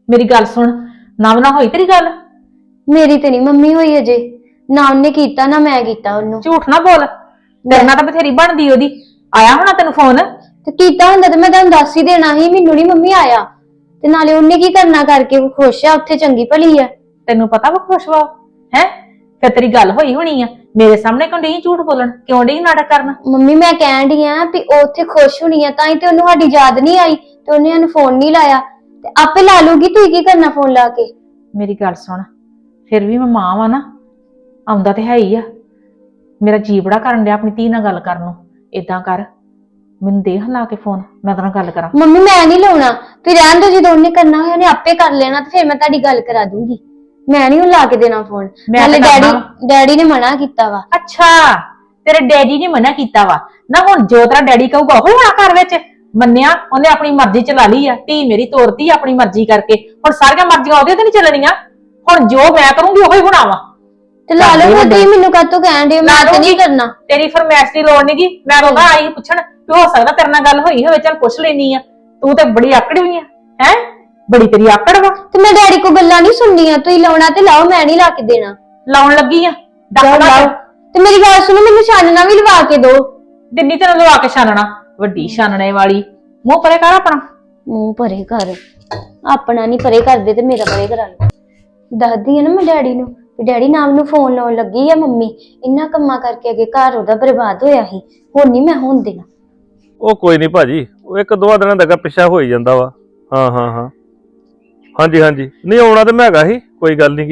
Speaker 3: ਮੇਰੀ ਗੱਲ ਸੁਣ, ਨਵ ਨਾ ਹੋਈ ਤੇਰੀ ਗੱਲ?
Speaker 5: ਮੇਰੀ ਤੇ ਨਹੀਂ ਮੰਮੀ ਹੋਈ ਅਜੇ, ਨਾ ਉਹਨੇ ਕੀਤਾ ਨਾ ਮੈਂ ਕੀਤਾ ਉਹਨੂੰ।
Speaker 3: ਝੂਠ ਨਾ ਬੋਲ, ਤੇਰੇ ਨਾਲ ਤਾਂ ਬਥੇਰੀ ਬਣਦੀ ਉਹਦੀ। ਆਇਆ ਹੋਣਾ ਤੈਨੂੰ ਫੋਨ?
Speaker 5: ਤੇ ਕੀਤਾ ਹੁੰਦਾ ਤੇ ਮੈਂ ਤੁਹਾਨੂੰ ਦੱਸ ਹੀ ਦੇਣਾ ਸੀ, ਮੈਨੂੰ ਨਹੀਂ ਮੰਮੀ ਆਇਆ। ਤੇ ਨਾਲੇ ਉਹਨੇ ਕੀ ਕਰਨਾ ਕਰਕੇ, ਉਹ ਖੁਸ਼ ਆ ਉੱਥੇ, ਚੰਗੀ ਭਲੀ ਆ।
Speaker 3: ਤੈਨੂੰ ਪਤਾ ਵਾ ਖੁਸ਼ ਵਾ ਹੈ? ਫਿਰ ਤੇਰੀ ਗੱਲ ਹੋਈ ਹੋਣੀ ਆ, ਮੇਰੇ ਸਾਹਮਣੇ ਕਿਉਂ ਨਹੀਂ ਝੂਠ ਬੋਲਣ, ਕਿਉਂ ਨਹੀਂ ਨਾਟਕ ਕਰਨਾ?
Speaker 5: ਮੰਮੀ ਮੈਂ ਕਹਿਣ ਡਈ ਆ ਵੀ ਉਹ ਉੱਥੇ ਖੁਸ਼ ਹੋਣੀ ਆ, ਤਾਂ ਹੀ ਤੇ ਉਹਨੂੰ ਸਾਡੀ ਯਾਦ ਨਹੀਂ ਆਈ ਤੇ ਉਹਨੇ ਸਾਨੂੰ ਫੋਨ ਨਹੀਂ ਲਾਇਆ। ਤੇ ਆਪੇ ਲਾ ਲੂਗੀ, ਤੂੰ ਕੀ ਕਰਨਾ ਫੋਨ ਲਾ ਕੇ?
Speaker 3: ਮੇਰੀ ਗੱਲ ਸੁਣ, ਫਿਰ ਵੀ ਮੈਂ ਮਾਂ ਵਾ ਨਾ, ਆਉਂਦਾ ਤੇ ਹੈ ਹੀ ਆ। ਮੇਰਾ ਜੀ ਬੜਾ ਕਰਨ ਡਿਆ ਆਪਣੀ ਧੀ ਨਾਲ ਗੱਲ ਕਰਨ ਨੂੰ। ਏਦਾਂ ਕਰ, ਮੈਨੂੰ ਦੇ ਲਾ ਕੇ ਫੋਨ, ਮੈਂ ਤੇਰੇ ਨਾਲ ਗੱਲ ਕਰਾਂ।
Speaker 5: ਮੰਮੀ ਮੈਂ ਨਹੀਂ ਲਾਉਣਾ, ਫਿਰ ਰਹਿਣ ਦੋ, ਜਦੋਂ ਉਹਨੇ ਕਰਨਾ ਹੋਇਆ ਉਹਨੇ ਆਪੇ ਕਰ ਲੈਣਾ, ਤੇ ਫਿਰ ਮੈਂ ਤੁਹਾਡੀ ਗੱਲ ਕਰਾ ਦੂੰਗੀ। ਮੈਂ ਨਹੀਂ ਲਾ ਕੇ ਦੇਣਾ ਫੋਨ।
Speaker 3: ਮੈਂ
Speaker 5: ਨਾਲੇ
Speaker 3: ਤਾਂ
Speaker 5: ਡੈਡੀ
Speaker 3: ਕਰਨਾ।
Speaker 5: ਡੈਡੀ ਨੇ ਮਨਾ ਕੀਤਾ ਵਾ।
Speaker 3: ਅੱਛਾ, ਤੇਰੇ ਡੈਡੀ ਨੇ ਮਨਾ ਕੀਤਾ ਵਾ ਨਾ? ਹੁਣ ਜੋ ਤੇਰਾ ਡੈਡੀ ਕਹੂਗਾ ਉਹ ਹੋਣਾ ਘਰ ਵਿੱਚ। ਮੰਨਿਆ, ਉਹਨੇ ਆਪਣੀ ਮਰਜ਼ੀ ਚਲਾ ਲਈ ਆ, ਧੀ ਮੇਰੀ ਤੋਰਤੀ ਆਪਣੀ ਮਰਜ਼ੀ ਕਰਕੇ। ਹੁਣ ਸਾਰੀਆਂ ਮਰਜ਼ੀਆਂ ਉਹਦੇ ਤੇ ਨਹੀਂ ਚੱਲਣੀਆਂ। ਹੁਣ ਜੋ ਮੈਂ ਕਰੂੰਗੀ ਉਹੀ ਹੋਣਾ ਵਾ।
Speaker 5: ਤੇ ਲਾ ਲਓ ਫਿਰ, ਤੁਸੀਂ ਮੈਨੂੰ ਕਾਹਤੋਂ ਕਹਿਣ ਦੇ? ਮੈਂ ਤੇ ਨਹੀਂ ਕਰਨਾ।
Speaker 3: ਤੇਰੀ ਫਰਮਾਇਸ਼ ਦੀ ਲੋੜ ਨਹੀਂਗੀ। ਮੈਂ ਰੋਣਾ ਆਈ ਪੁੱਛਣ ਕਿ ਹੋ ਸਕਦਾ ਤੇਰੇ ਨਾਲ ਗੱਲ ਹੋਈ ਹੋਵੇ, ਚੱਲ ਪੁੱਛ ਲੈਣੀ ਆ। ਤੂੰ ਤੇ ਬੜੀ ਆਕੜੀ ਹੋਈ ਆ, ਹੈ ਬੜੀ ਤੇਰੀ ਆਕੜ ਵਾ।
Speaker 5: ਤੇ ਮੈਂ ਡੈਡੀ ਕੋ ਗੱਲਾਂ ਨਹੀਂ ਸੁਣਨੀਆਂ, ਤੁਸੀਂ ਲਾਉਣਾ ਤੇ ਲਾਓ, ਮੈਂ ਨਹੀਂ ਲਾ ਕੇ ਦੇਣਾ।
Speaker 3: ਲਾਉਣ ਲੱਗੀ ਆ,
Speaker 5: ਜਾਓ
Speaker 3: ਡੱਕ
Speaker 5: ਲਾਓ। ਤੇ ਮੇਰੀ ਗੱਲ ਸੁਣੋ, ਮੈਨੂੰ ਛਾਨਣਾ ਵੀ ਲਵਾ ਕੇ ਦਿਓ।
Speaker 3: ਦਿੱਲੀ ਤੈਨੂੰ ਲਵਾ ਕੇ ਛਾਨਣਾ, ਵੱਡੀ ਛਾਨਣੇ ਵਾਲੀ। ਮੂੰਹ ਪਰੇ ਕਰ ਆਪਣਾ।
Speaker 5: ਮੂੰਹ ਭਰੇ ਕਰ, ਆਪਣਾ ਨਹੀਂ ਪਰੇ ਕਰਦੇ ਤੇ ਮੇਰਾ ਪਰੇ ਕਰਾ ਲਓ। ਦੱਸਦੀ ਆ ਨਾ ਮੈਂ ਡੈਡੀ ਨੂੰ ਵੀ ਡੈਡੀ ਨਾਮ ਨੂੰ ਫੋਨ ਲਾਉਣ ਲੱਗੀ ਆ ਮੰਮੀ, ਇੰਨਾ ਕੰਮਾਂ ਕਰਕੇ ਅਗੇ ਘਰ ਉਹਦਾ ਬਰਬਾਦ ਹੋਇਆ ਸੀ, ਹੁਣ ਨਹੀਂ ਮੈਂ ਹੋਣ ਦੇਣਾ।
Speaker 8: ਉਹ ਕੋਈ ਨਹੀਂ ਭਾਜੀ, ਉਹ ਇੱਕ ਦੋ ਦਿਨਾਂ ਦਾ ਪਿੱਛਾ ਹੋ ਹੀ ਜਾਂਦਾ ਵਾ। ਹਾਂ ਹਾਂ ਹਾਂ ਹਾਂਜੀ ਹਾਂਜੀ, ਨਹੀਂ ਆਉਣਾ ਤੇ ਮੈਂ ਹੈਗਾ ਸੀ, ਕੋਈ ਗੱਲ ਨਹੀਂ ਗੀ।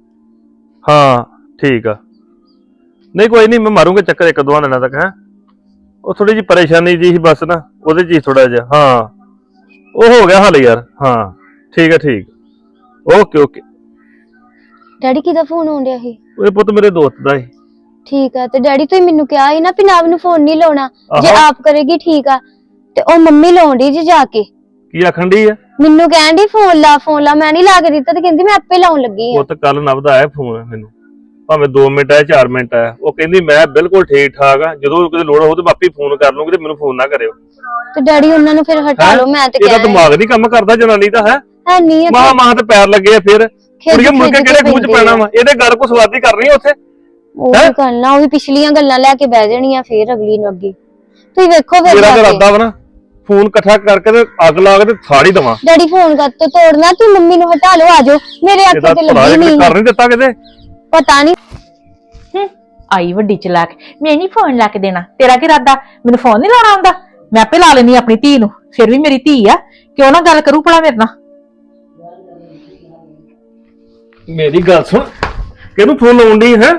Speaker 8: ਹਾਂ ਠੀਕ ਆ, ਨਹੀਂ ਕੋਈ ਨਹੀਂ, ਮੈਂ ਮਾਰੂੰਗਾ ਚੱਕਰ ਇੱਕ ਦੋ ਦਿਨਾਂ ਤੱਕ। ਹੈ ਉਹ ਥੋੜੀ ਜਿਹੀ ਪਰੇਸ਼ਾਨੀ ਜੀ ਸੀ ਬਸ ਨਾ, ਉਹਦੇ ਚ ਹੀ ਥੋੜਾ ਜਿਹਾ। ਹਾਂ ਉਹ ਹੋ ਗਿਆ ਹੱਲ ਯਾਰ। ਹਾਂ ਠੀਕ ਆ ਠੀਕ, ਓਕੇ ਓਕੇ।
Speaker 5: ਡੈਡੀ ਕਿਹਦਾ ਫੋਨ ਆਉਣ ਡਿਆ ਸੀ?
Speaker 8: ਉਹ ਪੁੱਤ ਮੇਰੇ ਦੋਸਤ ਦਾ ਸੀ।
Speaker 5: ਠੀਕ ਆ, ਤੇ ਡੈਡੀ ਤੁਸੀਂ ਮੈਨੂੰ ਕਿਹਾ ਸੀ ਨਾ ਵੀ ਨਾਮ ਨੂੰ ਫੋਨ ਨਹੀਂ ਲਾਉਣਾ, ਜੇ
Speaker 8: ਆਹੋ।
Speaker 5: ਆਪ ਕਰੇਗੀ ਠੀਕ ਆ। ਤੇ ਉਹ ਮੰਮੀ ਲਾਉਣ ਡਈ ਜੀ ਜਾ ਕੇ,
Speaker 8: ਕੀ ਆਖਣ ਡਈ ਆ?
Speaker 5: ਮੈਨੂੰ ਕਹਿਣ ਡਈ ਫੋਨ ਲਾ ਫੋਨ ਲਾ, ਮੈਂ ਨਹੀਂ ਲਾ ਕੇ ਦਿੱਤਾ ਤੇ ਕਹਿੰਦੀ ਮੈਂ ਆਪੇ ਲਾਉਣ ਲੱਗੀ ਆ।
Speaker 8: ਪੁੱਤ ਕੱਲ ਨਵਦਾ ਆਇਆ ਫੋਨ ਮੈਨੂੰ, ਭਾਵੇਂ ਦੋ ਮਿੰਟ ਆਇਆ ਚਾਰ ਮਿੰਟ ਆਇਆ, ਉਹ ਕਹਿੰਦੀ ਮੈਂ ਬਿਲਕੁਲ ਠੀਕ ਠਾਕ ਆ, ਜਦੋਂ ਕਿਤੇ ਲੋੜ ਹੋਊ ਤੇ ਮੈਂ ਆਪੇ ਫੋਨ ਕਰ ਲੂੰਗੀ, ਤੇ ਮੈਨੂੰ ਫੋਨ ਨਾ ਕਰਿਓ।
Speaker 5: ਤੇ ਡੈਡੀ ਉਹਨਾਂ ਨੂੰ ਫਿਰ ਹਟਾ ਲਓ, ਮੈਂ ਤੇ
Speaker 8: ਇਹਦਾ
Speaker 5: ਕਹਿਣਾ
Speaker 8: ਦਿਮਾਗ ਨਹੀਂ ਕੰਮ ਕਰਦਾ ਜਨਾਨੀ ਦਾ। ਹੈ
Speaker 5: ਹੈ ਨਹੀਂ
Speaker 8: ਮਾਂ ਮਾਂ ਤੇ ਪੈਰ ਲੱਗੇ ਆ, ਫਿਰ ਕੁੜੀਆਂ ਮੁੜ ਕੇ ਕਿਹੜੇ ਖੂਚ ਪੈਣਾ ਵਾ? ਇਹਦੇ ਗੱਲ ਕੋ ਸਵਾਦੀ ਕਰਨੀ ਆ ਉੱਥੇ।
Speaker 5: ਉਹ ਵੀ ਕਰਨਾ, ਉਹ ਵੀ ਪਿਛਲੀਆਂ ਗੱਲਾਂ ਲੈ ਕੇ ਬਹਿ ਜਾਣੀਆਂ ਫੇਰ ਅਗਲੀ ਨੂੰ ਅੱਗੇ। ਤੁਸੀਂ ਵੇਖੋ ਫਿਰ
Speaker 8: ਮੇਰਾ
Speaker 5: ਜਾ
Speaker 8: ਤੇ
Speaker 5: ਕੇ।
Speaker 8: ਇਰਾਦਾ ਵਾ ਨਾ, ਫੋਨ ਇਕੱਠਾ ਕਰਕੇ ਤੇ ਅੱਗ ਲਾ ਕੇ ਤੇ ਸਾੜੀ ਦਵਾਂ।
Speaker 5: ਡੈਡੀ ਫੋਨ ਕਰ ਤੋਂ ਤੋੜਨਾ, ਤੂੰ ਮੰਮੀ ਨੂੰ ਹਟਾ ਲਓ, ਆਜੋ। ਮੇਰੇ
Speaker 8: ਇਹਦਾ
Speaker 5: ਅੱਖਾਂ ਤੇ
Speaker 8: ਭਲਾ
Speaker 5: ਲੱਗੀ
Speaker 8: ਇੱਕ
Speaker 5: ਨਹੀਂ,
Speaker 8: ਕਰ ਨਹੀਂ ਦਿੱਤਾ ਕਿਤੇ।
Speaker 5: ਪਤਾ ਨਹੀਂ।
Speaker 3: ਆਈ ਵੱਡੀ ਚਲਾਕ, ਮੈਂ ਨਹੀਂ ਫੋਨ ਲਾ ਕੇ ਦੇਣਾ। ਤੇਰਾ ਕੀ ਇਰਾਦਾ, ਮੈਨੂੰ ਫੋਨ ਨਹੀਂ ਲਾਉਣਾ ਆਉਂਦਾ? ਮੈਂ ਆਪੇ ਲਾ ਲੈਣੀ ਆਪਣੀ ਧੀ ਨੂੰ, ਫਿਰ ਵੀ ਮੇਰੀ ਧੀ ਆ, ਕਿਉਂ ਨਾ ਗੱਲ ਕਰੂ ਭਲਾ ਮੇਰੇ ਨਾਲ।
Speaker 8: ਮੇਰੀ ਗੱਲ ਸੁਣ, ਕਿਹਨੂੰ ਫੋਨ ਲਾਉਣ ਡਈ ਹੈ?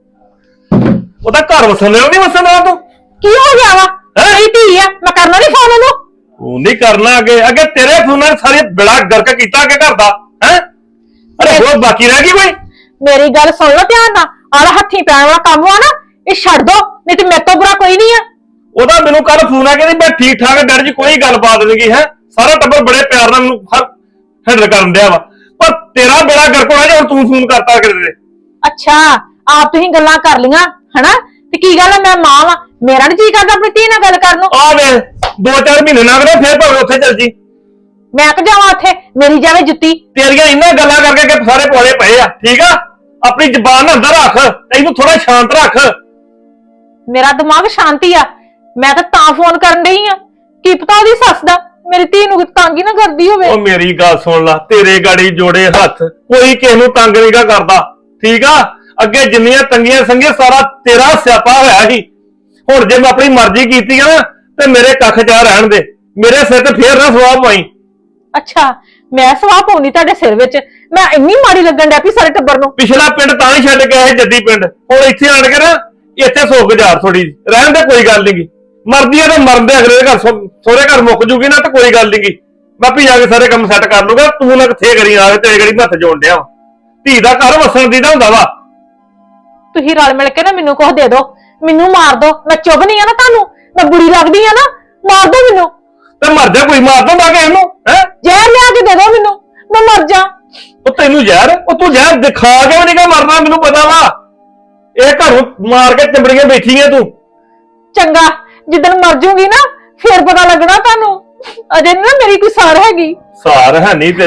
Speaker 8: ਉਹਦਾ ਘਰ ਵਸਣ ਦੇਣਾ ਨਹੀਂ ਵਸਣ ਦੇਣਾ ਤੂੰ?
Speaker 3: ਕੀ ਹੋ ਗਿਆ ਵਾ? ਮੇਰੀ ਧੀ ਆ, ਮੈਂ ਕਰਨਾ ਨਹੀਂ ਫੋਨ ਉਹਨੂੰ।
Speaker 8: ਉਹ ਨਹੀਂ ਕਰਨਾ, ਅੱਗੇ ਅੱਗੇ ਤੇਰੇ ਫੋਨਾਂ ਨੇ ਸਾਰੀ ਬਿੜਾ ਗਰਕ ਕੀਤਾ ਅੱਗੇ ਘਰ ਦਾ। ਹੈ ਅਰੇ ਹੋਰ ਬਾਕੀ ਰਹਿ ਗਈ ਕੋਈ?
Speaker 3: ਮੇਰੀ ਗੱਲ ਸੁਣ ਲਓ ਧਿਆਨ ਨਾਲ, ਆਹ ਹੱਥੀਂ ਪੈਣ ਵਾਲਾ ਕੰਮ ਆ ਨਾ, ਇਹ ਛੱਡ ਦੋ, ਨਹੀਂ ਤੇ ਮੇਰੇ ਤੋਂ ਬੁਰਾ ਕੋਈ ਨਹੀਂ ਆ।
Speaker 8: ਉਹਦਾ ਮੈਨੂੰ ਕੱਲ ਫੋਨ ਆ, ਕਹਿੰਦੀ ਮੈਂ ਠੀਕ ਠਾਕ ਡੈਡੀ ਜੀ, ਕੋਈ ਗੱਲਬਾਤ ਨਹੀਂ ਹੈ। ਸਾਰਾ ਟੱਬਰ ਬੜੇ ਪਿਆਰ ਨਾਲ ਮੈਨੂੰ ਹੈਂਡਲ ਕਰਨ ਡਿਆ ਵਾ, ਪਰ ਤੇਰਾ ਬੇੜਾ ਗਰਕ ਹੋਣਾ ਜੇ ਹੁਣ ਤੂੰ ਫੋਨ ਕਰਤਾ ਕਿਤੇ।
Speaker 3: ਅੱਛਾ, ਆਪ ਤੁਸੀਂ ਗੱਲਾਂ ਕਰ ਲੀਆਂ ਹਨਾ, ਤੇ ਕੀ ਗੱਲ ਆ, ਮੈਂ ਮਾਂ ਵਾ, ਮੇਰਾ ਨੀ ਜੀ ਕਰਦਾ ਆਪਣੀ ਧੀ ਨਾਲ ਗੱਲ ਕਰਨ ਨੂੰ।
Speaker 8: ਆ ਵੇ ਦੋ ਚਾਰ ਮਹੀਨੇ ਲੰਘ ਗਏ, ਫੇਰ ਭਾਵੇਂ ਉੱਥੇ ਚੱਲ ਜੀ।
Speaker 3: ਮੈਂ ਕਿ ਜਾਵਾਂ ਉੱਥੇ, ਮੇਰੀ ਜਾਵੇ ਜੁੱਤੀ।
Speaker 8: ਤੇਰੀਆਂ ਇੰਨਾ ਗੱਲਾਂ ਕਰਕੇ ਕਿ ਸਾਰੇ ਪੌੜੇ ਪਏ ਆ। ਠੀਕ ਆ, ਆਪਣੀ ਜ਼ਬਾਨ ਅੰਦਰ ਰੱਖ, ਇਹਨੂੰ ਥੋੜਾ ਸ਼ਾਂਤ ਰੱਖ।
Speaker 3: ਮੇਰਾ ਦਿਮਾਗ ਸ਼ਾਂਤੀ ਆ, ਮੈਂ ਤਾਂ ਤਾਂ ਫੋਨ ਕਰਨ ਡਈ ਆ, ਕੀ ਪਤਾ ਉਹਦੀ ਸੱਸ ਦਾ ਮੇਰੀ ਧੀ ਨੂੰ ਤੰਗ ਹੀ ਨਾ ਕਰਦੀ ਹੋਵੇ।
Speaker 8: ਉਹ ਮੇਰੀ ਗੱਲ ਸੁਣ ਲਾ, ਤੇਰੇ ਗਾੜੀ ਜੋੜੇ ਹੱਥ, ਕੋਈ ਕਿਸੇ ਨੂੰ ਤੰਗ ਨਹੀਂਗਾ ਕਰਦਾ। ਠੀਕ ਆ, ਅੱਗੇ ਜਿੰਨੀਆਂ ਤੰਗੀਆਂ ਸੰਗੀਆਂ ਸਾਰਾ ਤੇਰਾ ਸਿਆਪਾ ਹੋਇਆ ਸੀ। ਹੁਣ ਜੇ ਮੈਂ ਆਪਣੀ ਮਰਜ਼ੀ ਕੀਤੀ ਆ ਨਾ, ਤੇ ਮੇਰੇ ਕੱਖ ਜਾ ਰਹਿਣ ਦੇ, ਮੇਰੇ ਸਿਰ ਤੇ ਫੇਰ ਨਾ ਸਵਾਹ ਪਾਈ।
Speaker 3: ਅੱਛਾ, ਮੈਂ ਸਵਾਹ ਪਾਉਣੀ ਤੁਹਾਡੇ ਸਿਰ ਵਿੱਚ? ਮੈਂ ਇੰਨੀ ਮਾੜੀ ਲੱਗਣ ਡਿਆ ਪਈ ਸਾਰੇ ਟੱਬਰ ਨੂੰ।
Speaker 8: ਪਿਛਲਾ ਪਿੰਡ ਤਾਂ ਹੀ ਛੱਡ ਕੇ ਆਏ ਜੱਦੀ ਪਿੰਡ, ਹੁਣ ਇੱਥੇ ਆਣ ਕੇ ਨਾ ਇੱਥੇ ਸੋ ਗੁਜ਼ਾਰ ਥੋੜੀ ਰਹਿਣ ਦੇ, ਕੋਈ ਗੱਲ ਨੀ। ਮਰਦੀ ਆ ਤੇ ਮਰਨ ਦੇ, ਅਗਲੇ ਘਰ ਸੋਹਰੇ ਘਰ ਮੁੱਕ ਜੂਗੀ ਨਾ, ਤੇ ਕੋਈ ਗੱਲ ਨੀ। ਬਾਪੀ ਜਾ ਕੇ ਸਾਰੇ ਕੰਮ ਸੈੱਟ ਕਰ ਲੂਗਾ, ਤੂੰ ਨਾ ਕਿੱਥੇ ਕਰੀ ਆ, ਤੇਰੇ ਗੜੀ ਹੱਥ ਜੋੜ ਡਿਆ। ਧੀ ਦਾ ਘਰ ਵਸਣ ਦੀ ਦਾ ਹੁੰਦਾ ਵਾ।
Speaker 3: ਤੁਸੀਂ ਰਲ ਮਿਲ ਕੇ ਨਾ ਮੈਨੂੰ ਕੁਝ ਦੇ ਦਿਓ, ਮੈਨੂੰ ਮਾਰ ਦਿਓ, ਮੈਂ ਚੁੱਭ ਨਹੀਂ ਆ ਨਾ ਤੁਹਾਨੂੰ, ਮੈਂ ਬੁਰੀ ਲੱਗਦੀ ਆ ਨਾ, ਮਾਰ ਦਿਓ ਮੈਨੂੰ।
Speaker 8: ਤੇ ਮਰ ਜਾ, ਕੋਈ ਮਾਰ ਦੂੰਗਾ ਕਿ ਇਹਨੂੰ? ਹੈ
Speaker 3: ਜ਼ਹਿਰ ਲਿਆ ਕੇ ਦੇ ਦਿਓ ਮੈਨੂੰ, ਮੈਂ ਮਰ ਜਾ।
Speaker 8: ਉਹ ਤੈਨੂੰ ਜ਼ਹਿਰ, ਉਹ ਤੂੰ ਜ਼ਹਿਰ ਦਿਖਾ ਕੇ ਵੀ ਨਹੀਂ ਮਰਨਾ, ਮੈਨੂੰ ਪਤਾ ਵਾ। ਇਹ ਘਰੋਂ ਮਾਰ ਕੇ ਚਿੰਬੜੀਆਂ ਬੈਠੀ ਆ ਤੂੰ।
Speaker 3: ਚੰਗਾ, ਜਿੱਦਣ ਮਰ ਜੂਗੀ ਨਾ ਫੇਰ ਪਤਾ ਲੱਗਣਾ ਤੁਹਾਨੂੰ, ਅਜੇ ਨਾ ਮੇਰੀ ਕੋਈ ਸਾਰ ਹੈਗੀ।
Speaker 8: ਸਾਰ ਹੈ ਨਹੀਂ ਤੇਰੀ,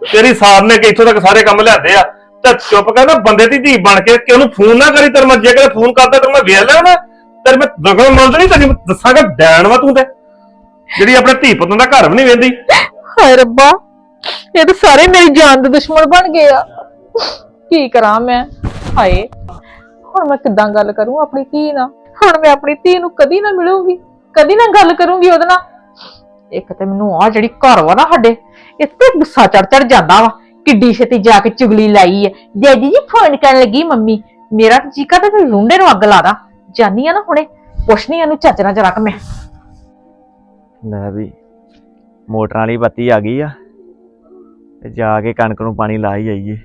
Speaker 8: ਤੇਰੀ ਸਾਰ ਨੇ ਕਿ ਇੱਥੋਂ ਤੱਕ ਸਾਰੇ ਕੰਮ ਲਿਆਦੇ ਆ ਤੇ ਚੁੱਪ ਕਰ ਨਾ ਬੰਦੇ ਦੀ ਧੀ ਬਣ ਕੇ ਕਿ ਉਹਨੂੰ ਫੋਨ ਨਾ ਕਰੀ। ਤੇਰੇ ਮੈਂ ਜੇ ਕਦੇ ਫੋਨ ਕਰਦਾ ਤੇ ਮੈਂ ਵੇਖ ਲਿਆ ਨਾ ਤੇਰੇ ਮੈਂ ਦਖਲ ਮੰਦ ਨਹੀਂ ਤੈਨੂੰ ਦੱਸਾਂਗਾ ਡੈਣ ਵਾ ਤੂੰ ਤੇ ਜਿਹੜੀ ਆਪਣੇ ਧੀ ਪੁੱਤਾਂ ਦਾ ਘਰ ਵੀ ਨਹੀਂ ਵੇਂਦੀ।
Speaker 3: ਹਾਏ ਰੱਬਾ, ਇਹ ਤਾਂ ਸਾਰੇ ਮੇਰੀ ਜਾਨ ਦੇ ਦੁਸ਼ਮਣ ਬਣ ਗਏ ਆ। ਕੀ ਕਰਾਂ ਮੈਂ? ਹਾਏ, ਹੁਣ ਮੈਂ ਕਿੱਦਾਂ ਗੱਲ ਕਰੂੰ ਆਪਣੀ ਧੀ ਨਾਲ? ਹੁਣ ਮੈਂ ਆਪਣੀ ਧੀ ਨੂੰ ਕਦੀ ਨਾ ਮਿਲੂੰਗੀ, ਕਦੀ ਨਾ ਗੱਲ ਕਰੂੰਗੀ ਉਹਦੇ ਨਾਲ। ਇੱਕ ਤੇ ਮੈਨੂੰ ਆ ਜਿਹੜੀ ਘਰ ਵਾ ਨਾ ਸਾਡੇ, ਇੱਥੇ ਗੁੱਸਾ ਚੜ ਚੜ ਜਾਂਦਾ ਵਾ। ਕਿੱਡੀ ਛੇਤੀ ਜਾ ਕੇ ਚੁਗਲੀ ਲਾਈ ਹੈ, ਡੈਡੀ ਜੀ ਫੋਨ ਕਰਨ ਲੱਗੀ ਮੰਮੀ। ਮੇਰਾ ਚੀਕਾ ਤੇ ਲੁੰਡੇ ਨੂੰ ਅੱਗ ਲਾਦਾ ਜਾਨੀ ਆ ਨਾ। ਹੁਣੇ ਪੁੱਛਣੀ ਇਹਨੂੰ ਚੱਜ ਨਾਲ ਜਰਾ ਕਿ ਮੈਂ
Speaker 6: ਲੈ ਵੀ ਮੋਟਰਾਂ ਵਾਲੀ ਬੱਤੀ ਆ ਗਈ ਆ ਤੇ ਜਾ ਕੇ ਕਣਕ ਨੂੰ ਪਾਣੀ ਲਾ ਹੀ ਆਈਏ।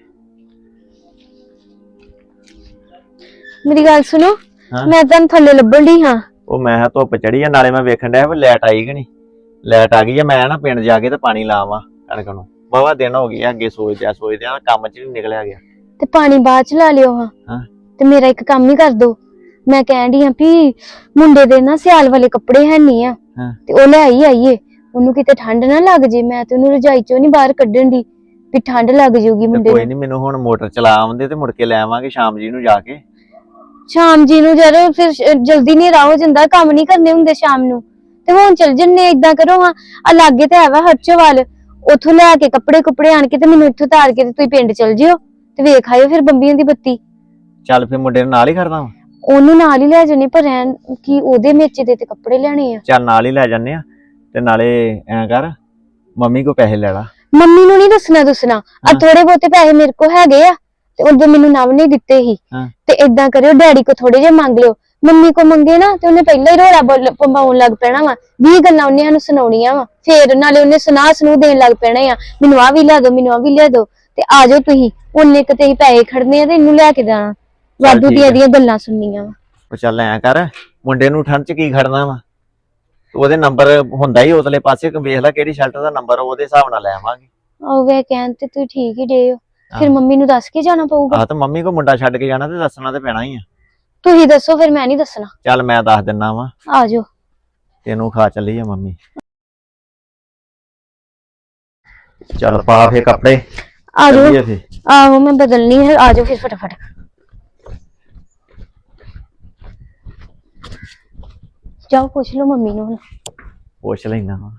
Speaker 5: ਮੇਰੀ ਗੱਲ ਸੁਣੋ,
Speaker 6: ਹਾਂ?
Speaker 5: ਮੈਂ ਤੁਹਾਨੂੰ ਥੱਲੇ ਲੱਭਣ ਦੀ ਹਾਂ।
Speaker 6: ਉਹ ਮੈਂ ਕਿਹਾ ਧੁੱਪ ਚੜੀ ਆ, ਨਾਲੇ ਮੈਂ ਵੇਖਣ ਡਿਆ ਵੀ ਲਾਈਟ ਆਈ ਕਿ ਨਹੀਂ। ਲਾਈਟ ਆ ਗਈ ਆ, ਮੈਂ ਨਾ ਪਿੰਡ ਜਾ ਕੇ ਤੇ ਪਾਣੀ ਲਾਵਾਂ ਕਣਕ ਨੂੰ। ਬਾਵਾ ਦਿਨ ਹੋ ਗਏ ਅੱਗੇ ਸੋਚਦਿਆ ਸੋਚਦਿਆ ਕੰਮ ਚ ਨਹੀਂ ਨਿਕਲਿਆ ਗਿਆ।
Speaker 5: ਤੇ ਪਾਣੀ ਬਾਅਦ ਚ ਲਾ ਲਿਓ ਹਾਂ।
Speaker 6: ਹਾਂ।
Speaker 5: ਤੇ ਮੇਰਾ ਇੱਕ ਕੰਮ ਹੀ ਕਰ ਦੋ। ਮੈਂ ਕਹਿਣ ਡਈ ਹਾਂ ਵੀ ਮੁੰਡੇ ਦੇ ਨਾ ਸਿਆਲ ਵਾਲੇ ਕੱਪੜੇ ਹੈ ਨਹੀਂ ਆ,
Speaker 6: ਹਾਂ।
Speaker 5: ਤੇ ਉਹ ਲੈ ਹੀ ਆਈਏ। ਉਹਨੂੰ ਕਿਤੇ ਠੰਡ ਨਾ ਲੱਗ ਜੇ। ਮੈਂ ਤੇ ਉਹਨੂੰ ਰਜਾਈ ਚੋਂ ਨਹੀਂ ਬਾਹਰ ਕੱਢਣ ਦੀ ਵੀ ਠੰਡ ਲੱਗ ਜਾਊਗੀ
Speaker 6: ਤੇ
Speaker 5: ਮੁੰਡੇ
Speaker 6: ਕੋਈ
Speaker 5: ਨੂੰ।
Speaker 6: ਨਹੀਂ, ਮੈਨੂੰ ਹੁਣ ਮੋਟਰ ਚਲਾ ਆਉਂਦੇ ਤੇ ਮੁੜ ਕੇ ਲੈ ਆਵਾਂਗੇ ਸ਼ਾਮ ਜੀ ਨੂੰ ਜਾ ਕੇ।
Speaker 5: ਸ਼ਾਮ ਜੀ ਨੂੰ ਜਦੋਂ ਫਿਰ ਸ਼- ਜਲਦੀ ਹਨੇਰਾ ਹੋ ਜਾਂਦਾ, ਕੰਮ ਨਹੀਂ ਕਰਨੇ ਹੁੰਦੇ ਸ਼ਾਮ ਨੂੰ। ਤੇ ਹੁਣ ਚੱਲ ਜੰਨੇ। ਏਦਾਂ ਕਰੋ ਹਾਂ, ਆ ਲਾਗੇ ਤੇ ਹੈਗਾ ਹਰਚੋਵਾਲ, ਉੱਥੋਂ ਲੈ ਕੇ ਕੱਪੜੇ ਕੁਪੜੇ ਆਣ ਕੇ ਤੇ ਮੈਨੂੰ ਇੱਥੋਂ ਤਾਰ ਕੇ ਤੇ ਤੁਸੀਂ ਪਿੰਡ ਚਲ ਜਿਓ ਤੇ ਵੇਖ ਆਇਓ ਫਿਰ ਬੰਬੀਆਂ ਦੀ ਬੱਤੀ।
Speaker 6: ਚੱਲ ਫਿਰ ਮੁੰਡੇ ਨੂੰ ਨਾਲ ਹੀ ਕਰਦਾ ਵਾਂ।
Speaker 5: ਉਹਨੂੰ ਨਾਲ ਹੀ ਲੈ ਜਾਣੇ, ਪਰ ਰਹਿਣ ਕੀ ਉਹਦੇ ਮੇਚੇ ਦੇ ਤੇ ਕੱਪੜੇ ਲੈਣੇ ਆ।
Speaker 6: ਚੱਲ ਨਾਲ ਹੀ ਲੈ ਜਾਂਦੇ ਆ। ਤੇ ਨਾਲੇ ਐਂ ਕਰ, ਮੰਮੀ ਕੋ ਪੈਸੇ ਲੈ ਲਾ।
Speaker 5: ਮੰਮੀ ਨੂੰ ਨਹੀਂ ਦੱਸਣਾ ਦੱਸਣਾ। ਆ ਥੋੜੇ ਬਹੁਤੇ ਪੈਸੇ ਮੇਰੇ ਕੋਲ ਹੈਗੇ ਆ ਤੇ ਉਦੋਂ ਮੈਨੂੰ ਨਵ ਨੇ ਦਿੱਤੇ ਸੀ।
Speaker 6: ਹਾਂ।
Speaker 5: ਤੇ ਏਦਾਂ ਕਰਿਓ, ਡੈਡੀ ਕੋ ਥੋੜੇ ਜਿਹੇ ਮੰਗ ਲਿਓ। ਮੰਮੀ ਕੋ ਮੰਗੇ ਨਾ ਤੇ ਉਹਨੇ ਪਹਿਲਾਂ ਹੀ ਰੋਲਾ ਬੋਲ ਪੰਬਾਉਣ ਲੱਗ ਪੈਣਾ ਵਾ। ਵੀਹ ਗੱਲਾਂ ਉਹਨੇ ਸਾਨੂੰ ਸੁਣਾਉਣੀਆਂ ਵਾ। ਫੇਰ ਨਾਲੇ ਉਹਨੇ ਸੁਣਾ ਸੁਣੂ ਦੇਣ ਲੱਗ ਪੈਣਾ ਆ, ਮੈਨੂੰ ਆ ਵੀ ਲਿਆ ਦੋ, ਮੈਨੂੰ ਆ ਵੀ ਲਿਆ ਦੋ। ਤੇ ਆ ਜਾਓ ਤੁਸੀਂ, ਉਹਨੇ ਕਿਤੇ ਹੀ ਪੈਸੇ ਖੜਨੇ ਆ ਤੇ ਇਹਨੂੰ ਲੈ ਕੇ ਜਾਣਾ। ਵਾਧੂ
Speaker 6: ਠੀਕ
Speaker 5: ਦੀਆਂ
Speaker 6: ਆ।
Speaker 5: ਦੀਆਂ ਗੱਲਾਂ ਸੁਣਨੀਆਂ ਵਾ।
Speaker 6: ਉਹ ਚੱਲ ਐਂ ਕਰ, ਮੁੰਡੇ ਨੂੰ ਠੰਡ ਚ ਕੀ ਖੜਨਾ ਵਾ। ਉਹਦੇ ਨੰਬਰ ਹੁੰਦਾ ਹੀ ਉਤਲੇ ਪਾਸੇ, ਵੇਖ ਲੈ ਕਿਹੜੀ ਸ਼ਰਟ ਦਾ ਨੰਬਰ, ਉਹਦੇ ਹਿਸਾਬ ਨਾਲ ਲੈ ਆਵਾਂਗੇ।
Speaker 5: ਉਹ ਵੇ ਕਹਿਣ ਤੇ ਤੂੰ ਠੀਕ ਹੀ ਡੇ ਹੋ। ਫਿਰ ਮੰਮੀ ਨੂੰ ਦੱਸ ਕੇ ਜਾਣਾ ਪਊਗਾ।
Speaker 6: ਆਹ ਤਾਂ ਮੰਮੀ ਕੋ ਮੁੰਡਾ ਛੱਡ ਕੇ ਜਾਣਾ ਤੇ ਦੱਸਣਾ ਤੇ ਪੈਣਾ ਹੀ ਆ।
Speaker 5: ਤੁਸੀਂ ਦੱਸੋ, ਫਿਰ ਮੈਂ ਨਹੀਂ ਦੱਸਣਾ।
Speaker 6: ਚੱਲ ਮੈਂ ਦੱਸ ਦਿੰਨਾ ਵਾ,
Speaker 5: ਆ ਜਾਓ।
Speaker 6: ਤੈਨੂੰ ਖਾ ਚੱਲੀ ਆ ਮੰਮੀ। ਚੱਲ ਪਾ ਫੇ ਕੱਪੜੇ,
Speaker 5: ਆ ਜਾਓ।
Speaker 6: ਚੱਲੀਏ ਫੇ।
Speaker 5: ਆਹੋ ਮੈਂ ਬਦਲਣੀ ਹੈ, ਆ ਜਾਓ ਫਿਰ ਫਟਾਫਟ। ਜਾਓ ਪੁੱਛ ਲਓ ਮੰਮੀ ਨੂੰ ਹੁਣ।
Speaker 6: ਪੁੱਛ ਲੈਣਾ ਵਾ।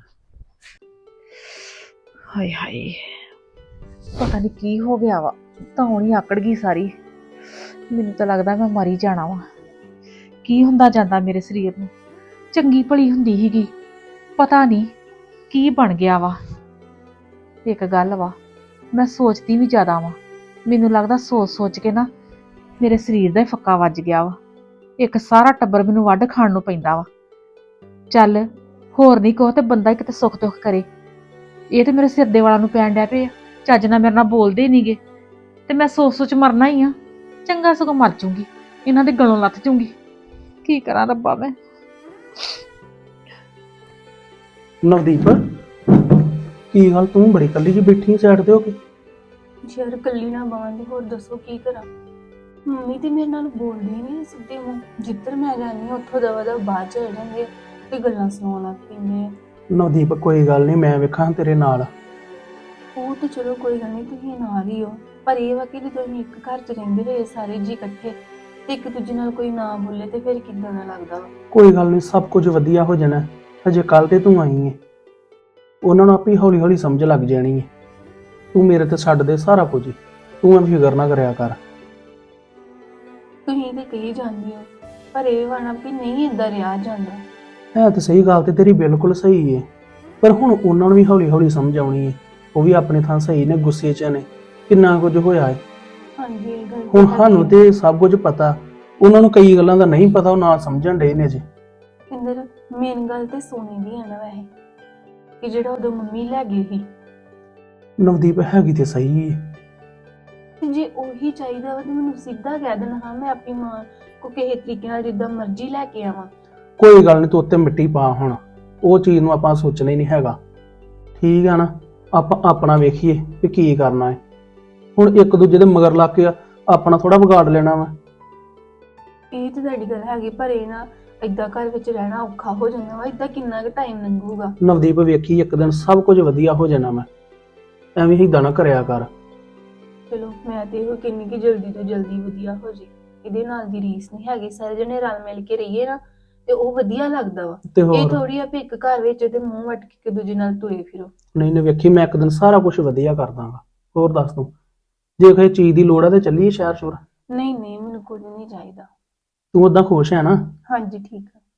Speaker 3: ਹਾਏ ਹਾਏ, ਪਤਾ ਨਹੀਂ ਕੀ ਹੋ ਗਿਆ ਵਾ। ਤਾਂ ਹੁਣ ਹੀ ਆਕੜ ਗਈ ਸਾਰੀ। ਮੈਨੂੰ ਤਾਂ ਲੱਗਦਾ ਮੈਂ ਮਰ ਹੀ ਜਾਣਾ ਵਾ। ਕੀ ਹੁੰਦਾ ਜਾਂਦਾ ਮੇਰੇ ਸਰੀਰ ਨੂੰ। ਚੰਗੀ ਭਲੀ ਹੁੰਦੀ ਸੀਗੀ, ਪਤਾ ਨਹੀਂ ਕੀ ਬਣ ਗਿਆ ਵਾ। ਇੱਕ ਗੱਲ ਵਾ, ਮੈਂ ਸੋਚਦੀ ਵੀ ਜ਼ਿਆਦਾ ਵਾ। ਮੈਨੂੰ ਲੱਗਦਾ ਸੋਚ ਸੋਚ ਕੇ ਨਾ ਮੇਰੇ ਸਰੀਰ ਦਾ ਹੀ ਫੱਕਾ ਵੱਜ ਗਿਆ ਵਾ। ਇੱਕ ਸਾਰਾ ਟੱਬਰ ਮੈਨੂੰ ਵੱਢ ਖਾਣ ਨੂੰ ਪੈਂਦਾ ਵਾ। ਚੱਲ ਹੋਰ ਨਹੀਂ ਕਹੋ ਤੇ ਬੰਦਾ ਕਿਤੇ ਸੁੱਖ ਦੁੱਖ ਕਰੇ। ਇਹ ਤੇ ਮੇਰੇ ਸਿਰ ਦੇ ਵਾਲਾਂ ਨੂੰ ਪੈਣ ਡੈ ਪਏ ਆ। ਚੱਜ ਨਾਲ ਮੇਰੇ ਨਾਲ ਬੋਲਦੇ ਨਹੀਂਗੇ ਤੇ ਮੈਂ ਸੋਚ ਸੋਚ ਮਰਨਾ ਹੀ ਆ। ਚੰਗਾ ਸਗੋਂ ਮਰ ਜੂੰਗੀ, ਇਹਨਾਂ ਦੇ ਗਲੋਂ ਲੱਥ ਜੂੰਗੀ। ਕੀ ਕਰਾਂ ਰੱਬਾ ਮੈਂ।
Speaker 9: ਨਵਦੀਪ, ਕੀ ਗੱਲ ਤੂੰ ਬੜੀ ਕੱਲੀ ਜਿਹੀ ਬੈਠੀ ਸਾਈਡ ਤੇ ਹੋ ਕੇ?
Speaker 10: ਯਾਰ ਕੱਲੀ ਨਾ ਬਾਂਧ, ਹੋਰ ਦੱਸੋ ਕੀ ਕਰਾਂ। ਮੰਮੀ ਤੇ ਮੇਰੇ ਨਾਲ ਬੋਲਦੀ ਨਹੀਂ ਸਿੱਧੇ ਮੂੰਹ। ਜਿੱਧਰ ਮੈਂ ਜਾਂਦੀ ਹਾਂ ਉੱਥੋਂ ਦਵਾ ਦਵਾ ਬਾਹਰ ਚਲੇ ਜਾਂਦੇ ਤੇ ਗੱਲਾਂ ਸੁਣਾਉਣ ਲੱਗ ਪੈਂਦੇ ਆ।
Speaker 9: ਨਵਦੀਪ ਕੋਈ ਗੱਲ ਨਹੀਂ, ਮੈਂ ਵੇਖਾਂ ਤੇਰੇ ਨਾਲ।
Speaker 10: ਉਹ ਤਾਂ ਚਲੋ ਕੋਈ ਗੱਲ ਨਹੀਂ, ਤੁਸੀਂ ਨਾਲ ਹੀ ਹੋ। ਪਰ ਇਹ ਵਾ ਕਿ ਜਦੋਂ ਅਸੀਂ ਇੱਕ ਘਰ 'ਚ ਰਹਿੰਦੇ ਰਹੇ ਸਾਰੇ ਜੀ ਇਕੱਠੇ ਤੇ ਇੱਕ ਦੂਜੇ ਨਾਲ ਕੋਈ ਨਾ ਬੋਲੇ ਤੇ ਫਿਰ ਕਿੱਦਾਂ ਦਾ ਲੱਗਦਾ ਵਾ।
Speaker 9: ਕੋਈ ਗੱਲ ਨਹੀਂ, ਸਭ ਕੁਝ ਵਧੀਆ ਹੋ ਜਾਣਾ। ਅਜੇ ਕੱਲ ਤੇ ਤੂੰ ਆਈ ਹੈ, ਉਹਨਾਂ ਨੂੰ ਆਪੇ ਹੌਲੀ ਹੌਲੀ ਸਮਝ ਲੱਗ ਜਾਣੀ ਹੈ। ਤੂੰ ਮੇਰੇ ਤੇ ਛੱਡ ਦੇ ਸਾਰਾ ਕੁਝ, ਤੂੰ ਐਵੇਂ ਫਿਕਰ ਨਾ ਕਰਿਆ ਕਰ।
Speaker 10: ਤੁਸੀਂ ਤੇ ਕਹੀ ਜਾਂਦੇ ਹੋ, ਪਰ ਇਹ ਵਾਣਾ ਵੀ ਨਹੀਂ ਏਦਾਂ ਰਿਹਾ ਜਾਂਦਾ।
Speaker 9: ਹੈ ਤਾਂ ਸਹੀ ਗੱਲ ਤੇ ਤੇਰੀ ਬਿਲਕੁਲ ਸਹੀ ਹੈ, ਪਰ ਹੁਣ ਉਹਨਾਂ ਨੂੰ ਵੀ ਹੌਲੀ ਹੌਲੀ ਸਮਝ ਆਉਣੀ ਹੈ। ਉਹ ਵੀ ਆਪਣੇ ਥਾਂ ਸਹੀ ਨੇ, ਗੁੱਸੇ 'ਚ ਨੇ, ਕਿੰਨਾ ਕੁਝ ਹੋਇਆ ਹੈ।
Speaker 10: ਹਾਂਜੀ ਇਹ ਗੱਲ
Speaker 9: ਹੁਣ ਸਾਨੂੰ ਤੇ ਸਭ ਕੁਝ ਪਤਾ, ਉਹਨਾਂ ਨੂੰ ਕਈ ਗੱਲਾਂ ਦਾ ਨਹੀਂ ਪਤਾ, ਉਹ ਨਾ ਸਮਝਣ ਡੇ ਨੇ ਜੀ।
Speaker 10: ਇੰਦਰ ਮੇਨ ਗੱਲ ਤੇ ਸੋਨੇ ਦੀ ਆ ਨਾ ਵੈਸੇ, ਕਿ ਜਿਹੜਾ ਉਦੋਂ ਮੰਮੀ ਲੈ ਗਈ ਸੀ।
Speaker 9: ਨਵਦੀਪ ਹੈਗੀ ਤੇ ਸਹੀ ਹੈ।
Speaker 10: ਤੇ ਜੇ ਉਹੀ ਚਾਹੀਦਾ ਵਾ ਤੇ ਮੈਨੂੰ ਸਿੱਧਾ ਕਹਿ ਦੇਣਾ, ਹਾਂ ਮੈਂ ਆਪਣੀ ਮਾਂ ਕੋ ਕਿਸੇ ਤਰੀਕੇ ਨਾਲ ਜਿੱਦਾਂ ਮਰਜ਼ੀ ਲੈ ਕੇ ਆਵਾਂ।
Speaker 9: ਕੋਈ ਗੱਲ ਨਹੀਂ, ਤੂੰ ਉੱਤੇ ਮਿੱਟੀ ਪਾ। ਹੁਣ ਉਹ ਚੀਜ਼ ਨੂੰ ਆਪਾਂ ਸੋਚਣਾ ਹੀ ਨਹੀਂ ਹੈਗਾ, ਠੀਕ ਆ ਨਾ। ਆਪਾਂ ਆਪਣਾ ਵੇਖੀਏ ਕਿ ਕੀ ਕਰਨਾ ਹੈ। ਹੁਣ ਇੱਕ ਦੂਜੇ ਦੇ ਮਗਰ ਲੱਗ ਕੇ ਆਪਣਾ ਥੋੜਾ ਵਿਗਾੜ ਲੈਣਾ ਵਾ।
Speaker 10: ਇਹ ਤੇ ਤੁਹਾਡੀ ਗੱਲ ਹੈਗੀ, ਪਰ ਇਹ ਨਾ ਏਦਾਂ ਘਰ ਵਿੱਚ ਰਹਿਣਾ ਔਖਾ ਹੋ ਜਾਂਦਾ ਵਾ। ਏਦਾਂ ਕਿੰਨਾ ਕੁ ਟਾਈਮ ਲੰਘੂਗਾ।
Speaker 9: ਨਵਦੀਪ ਵੇਖੀ, ਇੱਕ ਦਿਨ ਸਭ ਕੁਝ ਵਧੀਆ ਹੋ ਜਾਣਾ ਵਾ। ਐਵੇਂ ਏਦਾਂ ਨਾ ਕਰਿਆ ਕਰ।
Speaker 10: ਚਲੋ ਮੈਂ ਤੇ ਇਹੋ ਕਿੰਨੀ ਕਿ ਜਲਦੀ ਤੋਂ ਜਲਦੀ ਵਧੀਆ ਹੋ ਜੇ, ਇਹਦੇ ਨਾਲ ਦੀ ਰੀਸ ਨਹੀਂ ਹੈਗੀ। ਸਾਰੇ ਜਣੇ ਰਲ ਮਿਲ ਕੇ ਰਹੀਏ ਨਾ ਤੇ ਉਹ ਵਧੀਆ ਲੱਗਦਾ ਵਾ।
Speaker 9: ਤੇ
Speaker 10: ਇਹ
Speaker 9: ਹੋਰ
Speaker 10: ਥੋੜੀ ਆ ਵੀ ਇੱਕ ਘਰ ਵਿੱਚ ਤੇ ਮੂੰਹ ਵੱਟ ਕੇ ਇੱਕ ਦੂਜੇ ਨਾਲ ਤੁਰੇ ਫਿਰੋ।
Speaker 9: ਨਹੀਂ ਨਹੀਂ ਵੇਖੀ, ਮੈਂ ਇੱਕ ਦਿਨ ਸਾਰਾ ਕੁਝ ਵਧੀਆ ਕਰ ਦਾਂਗਾ। ਹੋਰ ਦੱਸ ਤੂੰ, ਜੇ ਕੋਈ ਚੀਜ਼ ਦੀ ਲੋੜ ਆ ਤੇ ਚੱਲੀਏ ਸ਼ਹਿਰ ਸ਼ੁਰ।
Speaker 10: ਨਹੀਂ ਨਹੀਂ, ਮੈਨੂੰ ਕੁਝ ਨਹੀਂ ਚਾਹੀਦਾ।
Speaker 9: ਤੂੰ ਓਦਾਂ ਖੁਸ਼ ਹੈ ਨਾ?
Speaker 10: ਹਾਂਜੀ ਠੀਕ ਆ।